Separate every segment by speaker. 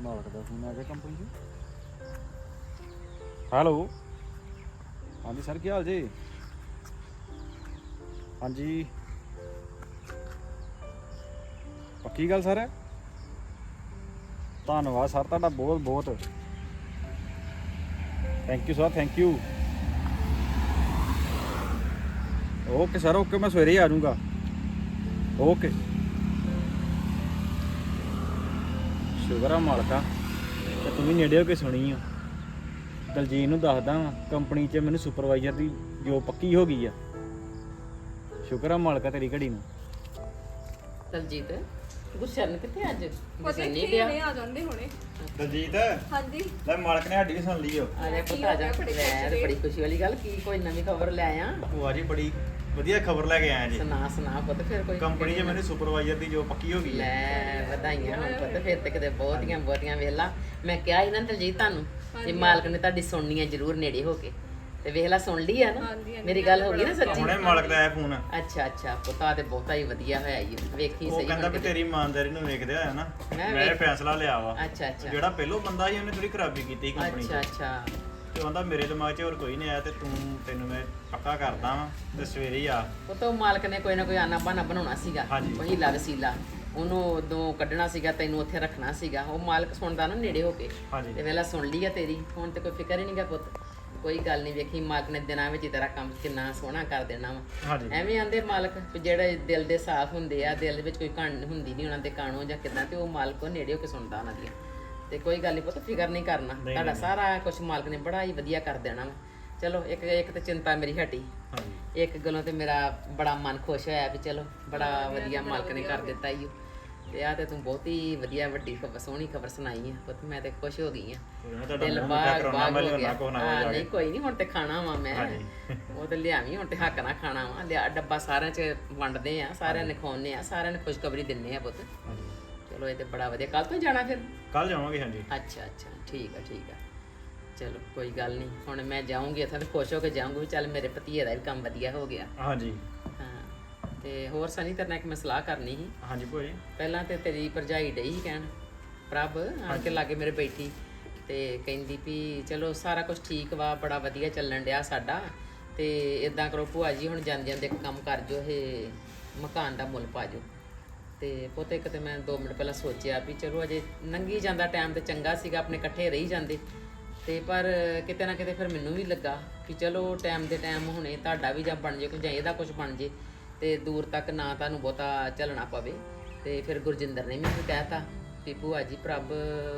Speaker 1: ਮਾਲਕ ਦਾ ਫੋਨ ਆ ਗਿਆ ਕੰਪਨੀ 'ਚ। ਹੈਲੋ, ਹਾਂਜੀ ਸਰ, ਕੀ ਹਾਲ ਜੀ? ਹਾਂਜੀ, ਪੱਕੀ ਗੱਲ ਸਰ? ਧੰਨਵਾਦ ਸਰ ਤੁਹਾਡਾ ਬਹੁਤ ਬਹੁਤ। Thank you sir, thank you. Okay sir, okay, ਮੈਂ ਸਵੇਰੇ ਹੀ ਆ ਜਾਊਂਗਾ। ਓਕੇ, ਸ਼ੁਕਰ ਆ ਮਾਲਕਾ ਤੇ ਤੂੰ ਵੀ ਨੇੜੇ ਹੋ ਕੇ ਸੁਣੀ ਆ। ਦਲਜੀਤ ਨੂੰ ਦੱਸਦਾ ਵਾਂ ਕੰਪਨੀ 'ਚ ਮੈਨੂੰ ਸੁਪਰਵਾਈਜ਼ਰ ਦੀ ਜੋ ਪੱਕੀ ਹੋ ਗਈ ਆ। ਸ਼ੁਕਰ ਆ ਮਾਲਕਾ ਤੇਰੀ ਘੜੀ ਨੂੰ।
Speaker 2: ਦਲਜੀਤ ਗੁਰਸ਼ਰਨ ਕਿੱਥੇ ਅੱਜ?
Speaker 3: ਪਤਾ
Speaker 2: ਨਹੀਂ
Speaker 3: ਨਹੀਂ ਆ ਜਾਂਦੇ ਹੁਣੇ।
Speaker 1: ਦਲਜੀਤ,
Speaker 3: ਹਾਂਜੀ
Speaker 1: ਲੈ ਮਾਲਕ ਨੇ ਸਾਡੀ ਵੀ ਸੁਣ ਲਈ ਓ।
Speaker 2: ਆ ਜਾ ਪੁੱਤ ਆ ਜਾ। ਲੈ ਬੜੀ ਖੁਸ਼ੀ ਵਾਲੀ ਗੱਲ, ਕੀ ਕੋਈ ਨਵੀਂ ਖਬਰ ਲੈ ਆ?
Speaker 1: ਭੂਆ ਜੀ ਬੜੀ ਵਧੀਆ ਖਬਰ ਲੈ ਕੇ ਆਇਆ ਜੀ।
Speaker 2: ਸੁਣਾ ਪੁੱਤ ਫਿਰ ਕੋਈ।
Speaker 1: ਕੰਪਨੀ 'ਚ ਮੈਨੂੰ ਸੁਪਰਵਾਈਜ਼ਰ ਦੀ ਜੋ ਪੱਕੀ ਹੋ ਗਈ ਆ।
Speaker 2: ਲੈ ਵਧਾਈਆਂ ਹੁਣ ਪੁੱਤ, ਫਿਰ ਤੇ ਕਿਤੇ ਬਹੁਤੀਆਂ ਵੇਲਾ। ਮੈਂ ਕਿਹਾ ਸੀ ਨਾ ਦਲਜੀਤ ਤੁਹਾਨੂੰ ਜੇ ਮਾਲਕ ਨੇ ਤੁਹਾਡੀ ਸੁਣਨੀ ਹੈ ਜ਼ਰੂਰ ਨੇੜੇ ਹੋ ਕੇ, ਤੇ ਵੇਖਲਾ ਸੁਣ ਲਈ ਆ ਨਾ। ਮੇਰੀ ਗੱਲ ਹੋ ਗਈ ਨਾ ਸੱਚੀ?
Speaker 1: ਹੁਣੇ ਮਾਲਕ ਦਾ ਆਇਆ ਫੋਨ।
Speaker 2: ਅੱਛਾ ਪੁੱਤਾ ਤੇ ਬਹੁਤਾ ਹੀ ਵਧੀਆ ਹੋਇਆ ਈ। ਵੇਖੀ
Speaker 1: ਉਹ
Speaker 2: ਸਹੀ
Speaker 1: ਕਹਿੰਦਾ ਵੀ ਤੇਰੀ ਇਮਾਨਦਾਰੀ ਨੂੰ ਵੇਖਦੇ ਆ ਨਾ ਮੈਂ ਇਹ ਫੈਸਲਾ ਲਿਆ ਵਾ।
Speaker 2: ਅੱਛਾ
Speaker 1: ਜਿਹੜਾ ਪਹਿਲੋਂ ਬੰਦਾ ਸੀ ਉਹਨੇ ਥੋੜੀ ਖਰਾਬੀ ਕੀਤੀ ਕੰਪਨੀ 'ਚ।
Speaker 2: ਅੱਛਾ
Speaker 1: ਤੇ ਕਹਿੰਦਾ ਮੇਰੇ ਦਿਮਾਗ 'ਚ ਹੋਰ ਕੋਈ ਨਹੀਂ ਆਇਆ ਤੇ ਤੈਨੂੰ ਮੈਂ ਪੱਕਾ ਕਰਦਾ ਵਾਂ ਤੇ ਸਵੇਰੇ ਹੀ ਆ।
Speaker 2: ਉਹ ਤਾਂ ਮਾਲਕ ਨੇ ਕੋਈ ਨਾ ਕੋਈ ਆਨਾ ਬਹਾਨਾ ਬਣਾਉਣਾ ਸੀਗਾ,
Speaker 1: ਹਾਂਜੀ।
Speaker 2: ਕੋਈ ਹੀਲਾ ਵਸੀਲਾ ਉਹਨੂੰ ਉਦੋਂ ਕੱਢਣਾ ਸੀਗਾ, ਤੈਨੂੰ ਉੱਥੇ ਰੱਖਣਾ ਸੀਗਾ। ਉਹ ਮਾਲਕ ਸੁਣਦਾ ਨਾ ਨੇੜੇ ਹੋ ਕੇ।
Speaker 1: ਹਾਂਜੀ।
Speaker 2: ਤੇ ਵੇਲਾ ਸੁਣ ਲਈ ਆ ਤੇਰੀ, ਹੁਣ ਤੇ ਕੋਈ ਫਿਕਰ ਹੀ ਨਹੀਂਗਾ ਪੁੱਤ। ਕੋਈ ਗੱਲ ਨਹੀਂ, ਵੇਖੀ ਮਾਲਕ ਨੇ ਦਿਨਾਂ ਵਿੱਚ ਤੇਰਾ ਕੰਮ ਕਿੰਨਾ ਸੋਹਣਾ ਕਰ ਦੇਣਾ ਵਾ।
Speaker 1: ਹਾਂਜੀ।
Speaker 2: ਐਵੇਂ ਆਂਦੇ ਮਾਲਕ ਵੀ ਜਿਹੜੇ ਦਿਲ ਦੇ ਸਾਫ਼ ਹੁੰਦੇ ਆ, ਦਿਲ ਵਿੱਚ ਕੋਈ ਕਣ ਹੁੰਦੀ ਨਹੀਂ ਉਹਨਾਂ ਦੇ ਕਾਣੋ ਜਾਂ ਕਿੱਦਾਂ, ਤੇ ਉਹ ਮਾਲਕ ਉਹ ਨੇੜੇ ਹੋ ਕੇ ਸੁਣਦਾ ਉਹਨਾਂ ਦੀਆਂ। ਤੇ ਕੋਈ ਗੱਲ ਨਹੀਂ ਪੁੱਤ, ਫਿਕਰ ਨਹੀਂ ਕਰਨਾ, ਤੁਹਾਡਾ ਸਾਰਾ ਕੁਝ ਮਾਲਕ ਨੇ ਬੜਾ ਹੀ ਵਧੀਆ ਕਰ ਦੇਣਾ ਵਾ। ਚਲੋ ਇੱਕ ਤੇ ਚਿੰਤਾ ਮੇਰੀ ਹਟੀ।
Speaker 1: ਹਾਂਜੀ।
Speaker 2: ਇੱਕ ਗੱਲੋਂ ਤੇ ਮੇਰਾ ਬੜਾ ਮਨ ਖੁਸ਼ ਹੋਇਆ ਵੀ ਚਲੋ ਬੜਾ ਵਧੀਆ ਮਾਲਕ ਨੇ ਕਰ ਦਿੱਤਾ ਈ ਓ। ਤੇ ਆ ਤੇ ਤੂੰ ਬਹੁਤ ਹੀ ਵਧੀਆ ਵੱਡੀ ਖਬਰ, ਸੋਹਣੀ ਖਬਰ ਸੁਣਾਈ ਆ ਪੁੱਤ। ਮੈਂ ਤੇ ਖੁਸ਼ ਹੋ ਗਈ ਆ, ਦਿਲ ਬਾਗ ਹੋ ਗਿਆ। ਹਾਂ ਨਹੀਂ ਕੋਈ ਨਹੀਂ, ਹੁਣ ਤੇ ਖਾਣਾ ਵਾ ਮੈਂ। ਉਹ ਤੇ ਲਿਆਵੀਂ, ਹੁਣ ਤੇ ਹੱਕ ਨਾਲ ਖਾਣਾ ਵਾ। ਲਿਆ ਡੱਬਾ ਸਾਰਿਆਂ 'ਚ ਵੰਡਦੇ ਆ, ਸਾਰਿਆਂ ਨੇ ਖਵਾਉਂਦੇ ਆ, ਸਾਰਿਆਂ ਨੂੰ ਖੁਸ਼ਖਬਰੀ ਦਿੰਦੇ ਆ ਪੁੱਤ। ਚਲੋ ਇਹ ਤੇ ਬੜਾ ਵਧੀਆ। ਕੱਲ ਤੋਂ ਜਾਣਾ ਫਿਰ?
Speaker 1: ਕੱਲ ਜਾਵਾਂਗੇ। ਹਾਂਜੀ।
Speaker 2: ਅੱਛਾ ਠੀਕ ਆ। ਚਲੋ ਕੋਈ ਗੱਲ ਨਹੀਂ, ਹੁਣ ਮੈਂ ਜਾਊਂਗੀ ਇੱਥੇ ਤੇ ਖੁਸ਼ ਹੋ ਕੇ ਜਾਊਂਗੀ ਵੀ ਚੱਲ ਮੇਰੇ ਭਤੀਏ ਦਾ ਵੀ ਕੰਮ ਵਧੀਆ ਹੋ ਗਿਆ।
Speaker 1: ਹਾਂਜੀ।
Speaker 2: ਹਾਂ ਤੇ ਹੋਰ ਸਨੀ ਤੇਰੇ ਨਾਲ ਇੱਕ ਮੈਂ ਸਲਾਹ ਕਰਨੀ ਸੀ।
Speaker 1: ਹਾਂਜੀ ਭੂਆ ਜੀ।
Speaker 2: ਪਹਿਲਾਂ ਤੇ ਤੇਰੀ ਭਰਜਾਈ ਡਈ ਸੀ ਕਹਿਣ, ਪ੍ਰਭ ਆਣ ਕੇ ਲਾਗੇ ਮੇਰੇ ਬੈਠੀ ਤੇ ਕਹਿੰਦੀ ਵੀ ਚਲੋ ਸਾਰਾ ਕੁਝ ਠੀਕ ਵਾ, ਬੜਾ ਵਧੀਆ ਚੱਲਣ ਡਿਆ ਸਾਡਾ, ਤੇ ਇਦਾਂ ਕਰੋ ਭੂਆ ਜੀ ਹੁਣ ਜਾਂਦੇ ਇੱਕ ਕੰਮ ਕਰ ਜੋ, ਇਹ ਮਕਾਨ ਦਾ ਮੁੱਲ ਪਾ ਜੋ। ਤੇ ਪੁੱਤ ਇੱਕ ਤੇ ਮੈਂ 2 ਮਿੰਟ ਪਹਿਲਾਂ ਸੋਚਿਆ ਵੀ ਚਲੋ ਅਜੇ ਲੰਘੀ ਜਾਂਦਾ ਟਾਈਮ ਤੇ ਚੰਗਾ ਸੀਗਾ, ਆਪਣੇ ਇਕੱਠੇ ਰਹੀ ਜਾਂਦੇ। ਤੇ ਪਰ ਕਿਤੇ ਨਾ ਕਿਤੇ ਫਿਰ ਮੈਨੂੰ ਵੀ ਲੱਗਾ ਕਿ ਚਲੋ ਟਾਈਮ ਦੇ ਟਾਈਮ ਹੁਣੇ ਤੁਹਾਡਾ ਵੀ ਜਾਂ ਬਣ ਜੇ ਕੁਝ, ਜਾਂ ਇਹਦਾ ਕੁਝ ਬਣ ਜੇ, ਤੇ ਦੂਰ ਤੱਕ ਨਾ ਤੁਹਾਨੂੰ ਬਹੁਤਾ ਚੱਲਣਾ ਪਵੇ। ਤੇ ਫਿਰ ਗੁਰਜਿੰਦਰ ਨੇ ਮੈਨੂੰ ਕਹਿਤਾ ਵੀ ਭੂਆ ਜੀ ਪ੍ਰਭ,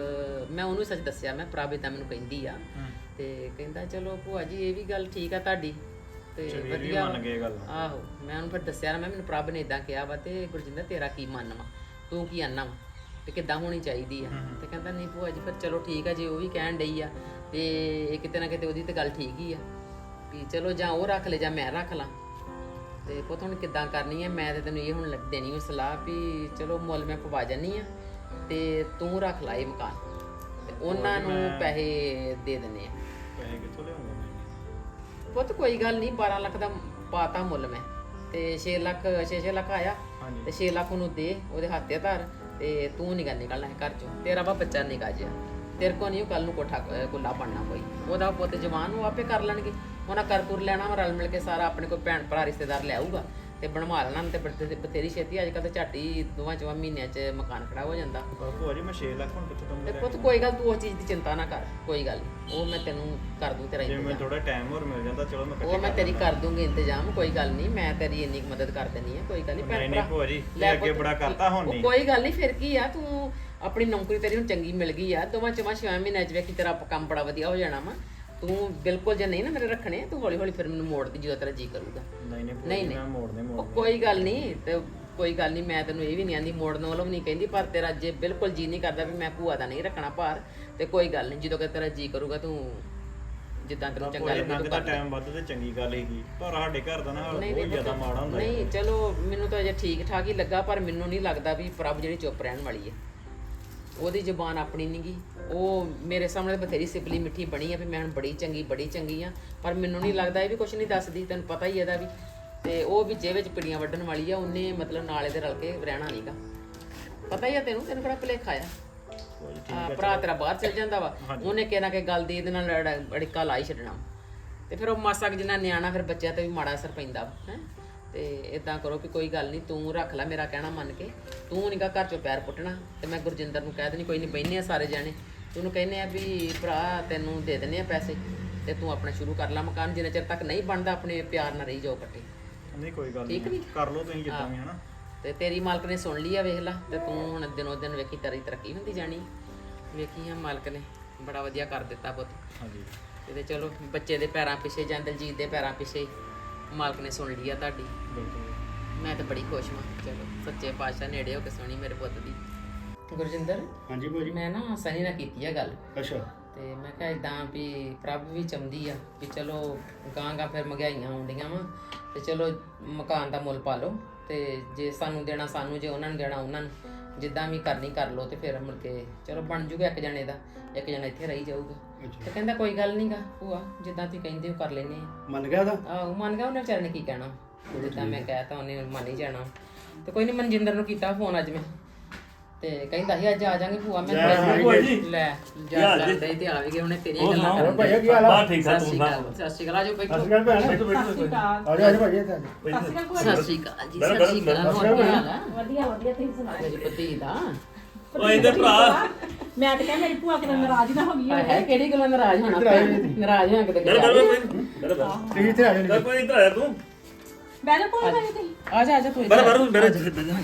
Speaker 2: ਮੈਂ ਉਹਨੂੰ ਸੱਚ ਦੱਸਿਆ, ਮੈਂ ਪ੍ਰਭ ਇਦਾਂ ਮੈਨੂੰ ਕਹਿੰਦੀ ਆ। ਤੇ ਕਹਿੰਦਾ ਚਲੋ ਭੂਆ ਜੀ ਇਹ ਵੀ ਗੱਲ ਠੀਕ ਆ ਤੁਹਾਡੀ, ਤੇ ਵਧੀਆ
Speaker 1: ਮੰਨ ਗਏ ਗੱਲ।
Speaker 2: ਆਹੋ ਮੈਂ ਉਹਨੂੰ ਫਿਰ ਦੱਸਿਆ ਨਾ, ਮੈਂ ਮੈਨੂੰ ਪ੍ਰਭ ਨੇ ਇਦਾਂ ਕਿਹਾ ਵਾ, ਤੇ ਗੁਰਜਿੰਦਰ ਤੇਰਾ ਕੀ ਮੰਨ ਵਾ, ਤੂੰ ਕੀ ਆਨਾ ਵਾ, ਤੇ ਕਿੱਦਾਂ ਹੋਣੀ ਚਾਹੀਦੀ ਆ। ਤੇ ਕਹਿੰਦਾ ਨਹੀਂ ਭੂਆ ਜੀ ਫਿਰ ਚਲੋ ਠੀਕ ਆ, ਜੇ ਉਹ ਵੀ ਕਹਿਣ ਡਈ ਆ ਤੇ ਕਿਤੇ ਨਾ ਕਿਤੇ ਉਹਦੀ ਤੇ ਗੱਲ ਠੀਕ ਹੀ ਆ ਵੀ ਚਲੋ ਜਾਂ ਉਹ ਰੱਖ ਲੈ ਜਾਂ ਮੈਂ ਰੱਖ ਲਾਂ। ਤੇ ਪੁੱਤ ਹੁਣ ਕਿੱਦਾਂ ਕਰਨੀ ਹੈ? ਮੈਂ ਤੇ ਤੈਨੂੰ ਇਹ ਹੁਣ ਦੇਣੀ ਹੋਈ ਸਲਾਹ ਵੀ ਚਲੋ ਮੁੱਲ ਮੈਂ ਪਵਾ ਜਾਨੀ ਆ ਤੇ ਤੂੰ ਰੱਖ ਲਾ ਇਹ ਮਕਾਨ, ਤੇ ਉਹਨਾਂ ਨੂੰ ਪੈਸੇ ਦੇ ਦਿੰਨੇ ਆ।
Speaker 1: ਪੈਸੇ ਕਿੱਥੋਂ ਲਿਆਉਂਗਾ ਮੈਂ?
Speaker 2: ਪੁੱਤ ਕੋਈ ਗੱਲ ਨਹੀਂ, 12 ਲੱਖ ਦਾ ਪਾਤਾ ਮੁੱਲ ਮੈਂ, ਤੇ 6 ਲੱਖ ਆਇਆ, ਤੇ 6 ਲੱਖ ਉਹਨੂੰ ਦੇ, ਉਹਦੇ ਹੱਥੇ ਧਰ, ਤੇ ਤੂੰ ਨਿਕਲਣਾ ਹੈ ਘਰ ਚੋਂ। ਤੇਰਾ ਵਾ ਬੱਚਾ ਨਿਕਾ ਜਿਆ, ਤੇਰੇ ਕੋ ਨਹੀਂ ਕੱਲ ਨੂੰ ਕੋਠਾ ਕੁੱਲਾ ਬਣਨਾ ਕੋਈ। ਉਹਦਾ ਪੁੱਤ ਜਵਾਨ ਉਹ ਆਪੇ ਕਰ ਲੈਣਗੇ, ਉਹਨਾਂ ਕਰ ਤੁਰ ਲੈਣਾ ਵਾ, ਰਲ ਮਿਲ ਕੇ ਸਾਰਾ ਆਪਣੇ ਕੋਈ ਭੈਣ ਭਰਾ ਰਿਸ਼ਤੇਦਾਰ ਲੈ ਆਊਗਾ ਤੇ ਬਣਵਾ ਲੈਣਾ। ਤੇ ਬਥੇਰੀ ਛੇਤੀ ਅੱਜ ਕੱਲ੍ਹ ਤੇ ਝੱਟ ਹੀ 2 ਮਹੀਨਿਆਂ 'ਚ ਮਕਾਨ ਖੜਾ ਹੋ ਜਾਂਦਾ।
Speaker 1: ਭੂਆ ਜੀ ਮੈਂ 6 ਲੱਖ ਹੁਣ ਕਿੱਥੋਂ
Speaker 2: ਤੇ ਪੁੱਤ ਕੋਈ ਗੱਲ, ਤੂੰ ਉਸ ਚੀਜ਼ ਦੀ ਚਿੰਤਾ ਨਾ ਕਰ, ਕੋਈ ਗੱਲ ਨਹੀਂ, ਉਹ ਮੈਂ ਤੈਨੂੰ ਕਰ ਦੂੰ ਤੇਰਾ
Speaker 1: ਜੇ ਮੈਨੂੰ ਥੋੜਾ ਟਾਈਮ ਹੋਰ ਮਿਲ ਜਾਂਦਾ ਚਲੋ ਮੈਂ
Speaker 2: ਉਹ ਮੈਂ ਤੇਰੀ ਕਰ ਦੂੰਗੀ ਇੰਤਜ਼ਾਮ, ਕੋਈ ਗੱਲ ਨਹੀਂ, ਮੈਂ ਤੇਰੀ ਇੰਨੀ ਮਦਦ ਕਰ ਦੇਣੀ ਹੈ, ਕੋਈ ਗੱਲ ਨਹੀਂ।
Speaker 1: ਨਹੀਂ ਭੂਆ ਜੀ, ਲੈ ਅੱਗੇ ਬੜਾ ਕਰਤਾ ਹੁਣ ਨਹੀਂ।
Speaker 2: ਕੋਈ ਗੱਲ ਨਹੀਂ, ਫਿਰ ਕੀ ਆ, ਤੂੰ ਆਪਣੀ ਨੌਕਰੀ ਤੇਰੀ ਹੁਣ ਚੰਗੀ ਮਿਲ ਗਈ ਆ, 2-6 ਮਹੀਨਿਆਂ 'ਚ ਵੇਖੀ ਤੇਰਾ ਕੰਮ ਬੜਾ ਵਧੀਆ ਹੋ ਜਾਣਾ ਵਾ। ਤੂੰ ਬਿਲਕੁਲ ਜੇ ਨਹੀਂ ਨਾ ਮੇਰੇ ਰੱਖਣੇ, ਤੂੰ ਹੌਲੀ ਹੌਲੀ ਫਿਰ ਮੈਨੂੰ ਮੋੜ ਦੀ ਜਦੋਂ ਤੇਰਾ ਜੀ ਕਰੂਗਾ।
Speaker 1: ਨਹੀਂ ਮੈਂ ਮੋੜਨੇ
Speaker 2: ਕੋਈ ਗੱਲ ਨਹੀਂ, ਤੇ ਕੋਈ ਗੱਲ ਨਹੀਂ, ਮੈਂ ਤੈਨੂੰ ਇਹ ਵੀ ਨਹੀਂ ਆਂਦੀ ਮੋੜਨ ਵੱਲੋਂ ਵੀ ਨਹੀਂ ਕਹਿੰਦੀ, ਪਰ ਤੇਰਾ ਜੇ ਬਿਲਕੁਲ ਜੀ ਨਹੀਂ ਕਰਦਾ ਵੀ ਮੈਂ ਭੂਆ ਦਾ ਨਹੀਂ ਰੱਖਣਾ ਭਾਰ, ਤੇ ਕੋਈ ਗੱਲ ਨਹੀਂ, ਜਦੋਂ ਕਿ ਤੇਰਾ ਜੀ ਕਰੂਗਾ ਤੂੰ ਜਿੱਦਾਂ ਤੈਨੂੰ ਚੰਗਾ ਲੱਗੇ ਤੂੰ ਕਰ।
Speaker 1: ਟਾਈਮ ਵੱਧ ਤੇ ਚੰਗੀ ਗੱਲ ਹੈਗੀ, ਪਰ ਸਾਡੇ ਘਰ ਦਾ ਨਾ ਬਹੁਤ ਜ਼ਿਆਦਾ ਮਾੜਾ ਹੁੰਦਾ।
Speaker 2: ਨਹੀਂ ਚਲੋ ਮੈਨੂੰ ਤਾਂ ਅਜੇ ਠੀਕ ਠਾਕ ਹੀ ਲੱਗਾ, ਪਰ ਮੈਨੂੰ ਨਹੀਂ ਲੱਗਦਾ ਵੀ ਪ੍ਰਭ ਜਿਹੜੀ ਚੁੱਪ ਰਹਿਣ ਵਾਲੀ ਹੈ, ਉਹਦੀ ਜ਼ੁਬਾਨ ਆਪਣੀ ਨਹੀਂ ਗੀ। ਉਹ ਮੇਰੇ ਸਾਹਮਣੇ ਬਥੇਰੀ ਸਿਪਲੀ ਮਿੱਠੀ ਬਣੀ ਆ ਵੀ ਮੈਂ ਹੁਣ ਬੜੀ ਚੰਗੀ ਆ, ਪਰ ਮੈਨੂੰ ਨਹੀਂ ਲੱਗਦਾ ਇਹ ਵੀ ਕੁਝ ਨਹੀਂ ਦੱਸਦੀ, ਤੈਨੂੰ ਪਤਾ ਹੀ ਇਹਦਾ ਵੀ। ਤੇ ਉਹ ਵਿੱਚੇ ਵਿੱਚ ਪਿੜੀਆਂ ਵੱਢਣ ਵਾਲੀ ਆ, ਉਹਨੇ ਮਤਲਬ ਨਾਲੇ ਦੇ ਰਲ ਕੇ ਰਹਿਣਾ ਨਹੀਂਗਾ, ਪਤਾ ਹੀ ਆ ਤੈਨੂੰ ਕਿਹੜਾ ਭੁਲੇਖਾ ਆ। ਭਰਾ ਤੇਰਾ ਬਾਹਰ ਚਲ ਜਾਂਦਾ ਵਾ, ਉਹਨੇ ਕਿਹਾ ਨਾ ਕਿ ਗੱਲ ਦੀ ਇਹਦੇ ਨਾਲ ਅੜਿੱਕਾ ਲਾ ਹੀ ਛੱਡਣਾ ਤੇ ਫਿਰ ਉਹ ਮਾਸਾ ਕੁ ਜਿੰਨਾ ਨਿਆਣਾ ਫਿਰ ਬੱਚਿਆਂ ਤੇ ਵੀ ਮਾੜਾ ਅਸਰ ਪੈਂਦਾ ਹੈ। ਤੇ ਇਦਾਂ ਕਰੋ ਕਿ ਕੋਈ ਗੱਲ ਨਹੀਂ, ਤੂੰ ਰੱਖ ਲੈ ਮੇਰਾ ਕਹਿਣਾ ਮੰਨ ਕੇ, ਤੂੰ ਨੀਗਾ ਘਰ ਚੋਂ ਪੈਰ ਪੁੱਟਣਾ ਤੇ ਮੈਂ ਗੁਰਜਿੰਦਰ ਨੂੰ ਕਹਿ ਦੇਣੀ ਕੋਈ ਨਹੀਂ, ਬਹਿਨੇ ਆ ਸਾਰੇ ਜਾਣੇ, ਤੈਨੂੰ ਕਹਿੰਦੇ ਆ ਵੀ ਭਰਾ ਤੈਨੂੰ ਦੇ ਦਿੰਦੇ ਆ ਪੈਸੇ ਤੇ ਤੂੰ ਆਪਣਾ ਸ਼ੁਰੂ ਕਰ ਲੈ ਮਕਾਨ, ਜਿੰਨੇ ਚਿਰ ਤੱਕ ਨਹੀਂ ਬਣਦਾ ਆਪਣੇ ਪਿਆਰ ਨਾਲ ਰਹੀ ਜਾਓ ਇਕੱਠੇ।
Speaker 1: ਨਹੀਂ ਕੋਈ ਗੱਲ
Speaker 2: ਠੀਕ
Speaker 1: ਨਹੀਂ,
Speaker 2: ਨੀ?
Speaker 1: ਕਰ ਲਓ ਤੁਸੀਂ ਜਿੱਦਾਂ ਵੀ ਹਨਾ।
Speaker 2: ਤੇ ਤੇਰੀ ਮਾਲਕ ਨੇ ਸੁਣ ਲਈ ਆ, ਵੇਖ ਲਾ, ਤੇ ਤੂੰ ਹੁਣ ਦਿਨੋਂ ਦਿਨ ਵੇਖੀ ਤੇਰੀ ਤਰੱਕੀ ਹੁੰਦੀ ਜਾਣੀ, ਵੇਖੀ ਆ ਮਾਲਕ ਨੇ ਬੜਾ ਵਧੀਆ ਕਰ ਦਿੱਤਾ ਪੁੱਤ।
Speaker 1: ਹਾਂਜੀ
Speaker 2: ਤੇ ਚਲੋ ਬੱਚੇ ਦੇ ਪੈਰਾਂ ਪਿੱਛੇ ਜਾਂ ਦਲਜੀਤ ਦੇ ਪੈਰਾਂ ਪਿੱਛੇ ਮਾਲਕ ਨੇ ਸੁਣ ਲਈ ਆ ਤੁਹਾਡੀ।
Speaker 1: ਬਿਲਕੁਲ।
Speaker 2: ਮੈਂ ਤਾਂ ਬੜੀ ਖੁਸ਼ ਹਾਂ। ਚਲੋ ਸੱਚੇ ਪਾਤਸ਼ਾਹ ਨੇੜੇ ਹੋ ਕੇ ਸੁਣੀ ਮੇਰੇ ਪੁੱਤ ਦੀ। ਗੁਰਜਿੰਦਰ,
Speaker 3: ਹਾਂਜੀ ਭੂਆ ਜੀ।
Speaker 2: ਮੈਂ ਨਾ ਸਨੀ ਨਾਲ ਕੀਤੀ ਆ ਗੱਲ,
Speaker 3: ਅੱਛਾ
Speaker 2: ਤੇ ਮੈਂ ਕਿਹਾ ਇਦਾਂ ਵੀ ਪ੍ਰਭ ਵੀ ਚਾਹੁੰਦੀ ਆ ਵੀ ਚਲੋ ਗਾਂ ਫਿਰ ਮਹਿੰਗਾਈਆਂ ਆਉਂਦੀਆਂ ਵਾ ਤੇ ਚਲੋ ਮਕਾਨ ਦਾ ਮੁੱਲ ਪਾ ਲਓ, ਤੇ ਜੇ ਸਾਨੂੰ ਦੇਣਾ ਸਾਨੂੰ, ਜੇ ਉਹਨਾਂ ਨੂੰ ਦੇਣਾ ਉਹਨਾਂ ਨੂੰ, ਜਿੱਦਾਂ ਵੀ ਕਰਨੀ ਕਰ ਲਓ, ਤੇ ਫਿਰ ਮੁੜ ਕੇ ਚਲੋ ਬਣ ਜੂਗਾ ਇੱਕ ਜਣੇ ਦਾ, ਇੱਕ ਜਣਾ ਇੱਥੇ ਰਹੀ ਜਾਊਗਾ। ਤੇ ਕਹਿੰਦਾ ਕੋਈ ਗੱਲ ਨਹੀਂਗਾ ਭੂਆ, ਜਿੱਦਾਂ ਤੁਸੀਂ ਕਹਿੰਦੇ ਹੋ ਕਰ ਲੈਨੇ ਆ।
Speaker 3: ਮੰਨ ਗਿਆ ਉਹਦਾ?
Speaker 2: ਆਹੋ ਮੰਨ ਗਿਆ, ਉਹਨੇ ਵਿਚਾਰੇ ਨੇ ਕੀ ਕਹਿਣਾ, ਜਿੱਦਾਂ ਮੈਂ ਕਹਿਤਾ ਉਹਨੇ ਮੰਨ ਹੀ ਜਾਣਾ। ਤੇ ਕੋਈ ਨਹੀਂ, ਮਨਜਿੰਦਰ ਨੂੰ ਕੀਤਾ ਫੋਨ ਅੱਜ ਮੈਂ, ਤੇ ਕਹਿੰਦਾ ਸੀ ਅੱਜ ਆ ਜਾਾਂਗੇ ਭੂਆ। ਮੈਂ ਲੈ ਜਾ ਕਰਦੇ ਤੇ ਆ ਵੀ ਗਏ, ਉਹਨੇ ਤੇਰੀਆਂ ਗੱਲਾਂ ਕਰਨ
Speaker 3: ਭਾਈ ਕੀ ਹਾਲ ਆ?
Speaker 4: ਠੀਕ ਠਾਕ ਤੂੰ ਸੁਣਾ?
Speaker 2: ਸਤਿ ਸ਼੍ਰੀ ਅਕਾਲ, ਆਜੋ ਬੈਠੋ।
Speaker 3: ਸਤਿ ਸ਼੍ਰੀ ਅਕਾਲ ਭੈਣ।
Speaker 4: ਬੈਠੋ ਬੈਠੋ
Speaker 3: ਆ ਜਾ ਭਾਈ ਇੱਥੇ ਆ ਜਾ।
Speaker 2: ਸਤਿ ਸ਼੍ਰੀ ਅਕਾਲ ਜੀ, ਸਤਿ ਸ਼੍ਰੀ ਅਕਾਲ, ਹੋਰ ਕੀ ਹਾਲ ਆ?
Speaker 5: ਵਧੀਆ ਵਧੀਆ, ਤੁਸੀਂ ਸੁਣਾਓ?
Speaker 2: ਮੇਰੀ ਭਤੀ ਦਾ
Speaker 4: ਓ ਇਹਦੇ ਭਰਾ
Speaker 5: ਮੈਂ ਤਾਂ ਕਿਹਾ ਮੇਰੀ ਭੂਆ ਕਿਤੇ ਨਾਰਾਜ਼ ਨਾ ਹੋ ਗਈ
Speaker 2: ਹਾਏ ਹਾਏ, ਕਿਹੜੀ ਗੱਲੋਂ ਨਾਰਾਜ਼ ਹੋਣਾ? ਨਾਰਾਜ਼ ਹੋਣਾ ਕਿਤੇ
Speaker 4: ਗੱਲ ਕਰ ਬਈ
Speaker 3: ਤੁਸੀਂ ਇੱਥੇ ਆ ਜਾ।
Speaker 4: ਕਰ ਕੋਈ ਇੱਧਰ ਆਇਆ ਤੂੰ
Speaker 5: ਬੈਠੋ ਕੋਈ ਨਹੀਂ ਤੁਸੀਂ।
Speaker 2: ਆ ਜਾ ਤੂੰ
Speaker 4: ਬਰ ਬਰ ਮੇਰੇ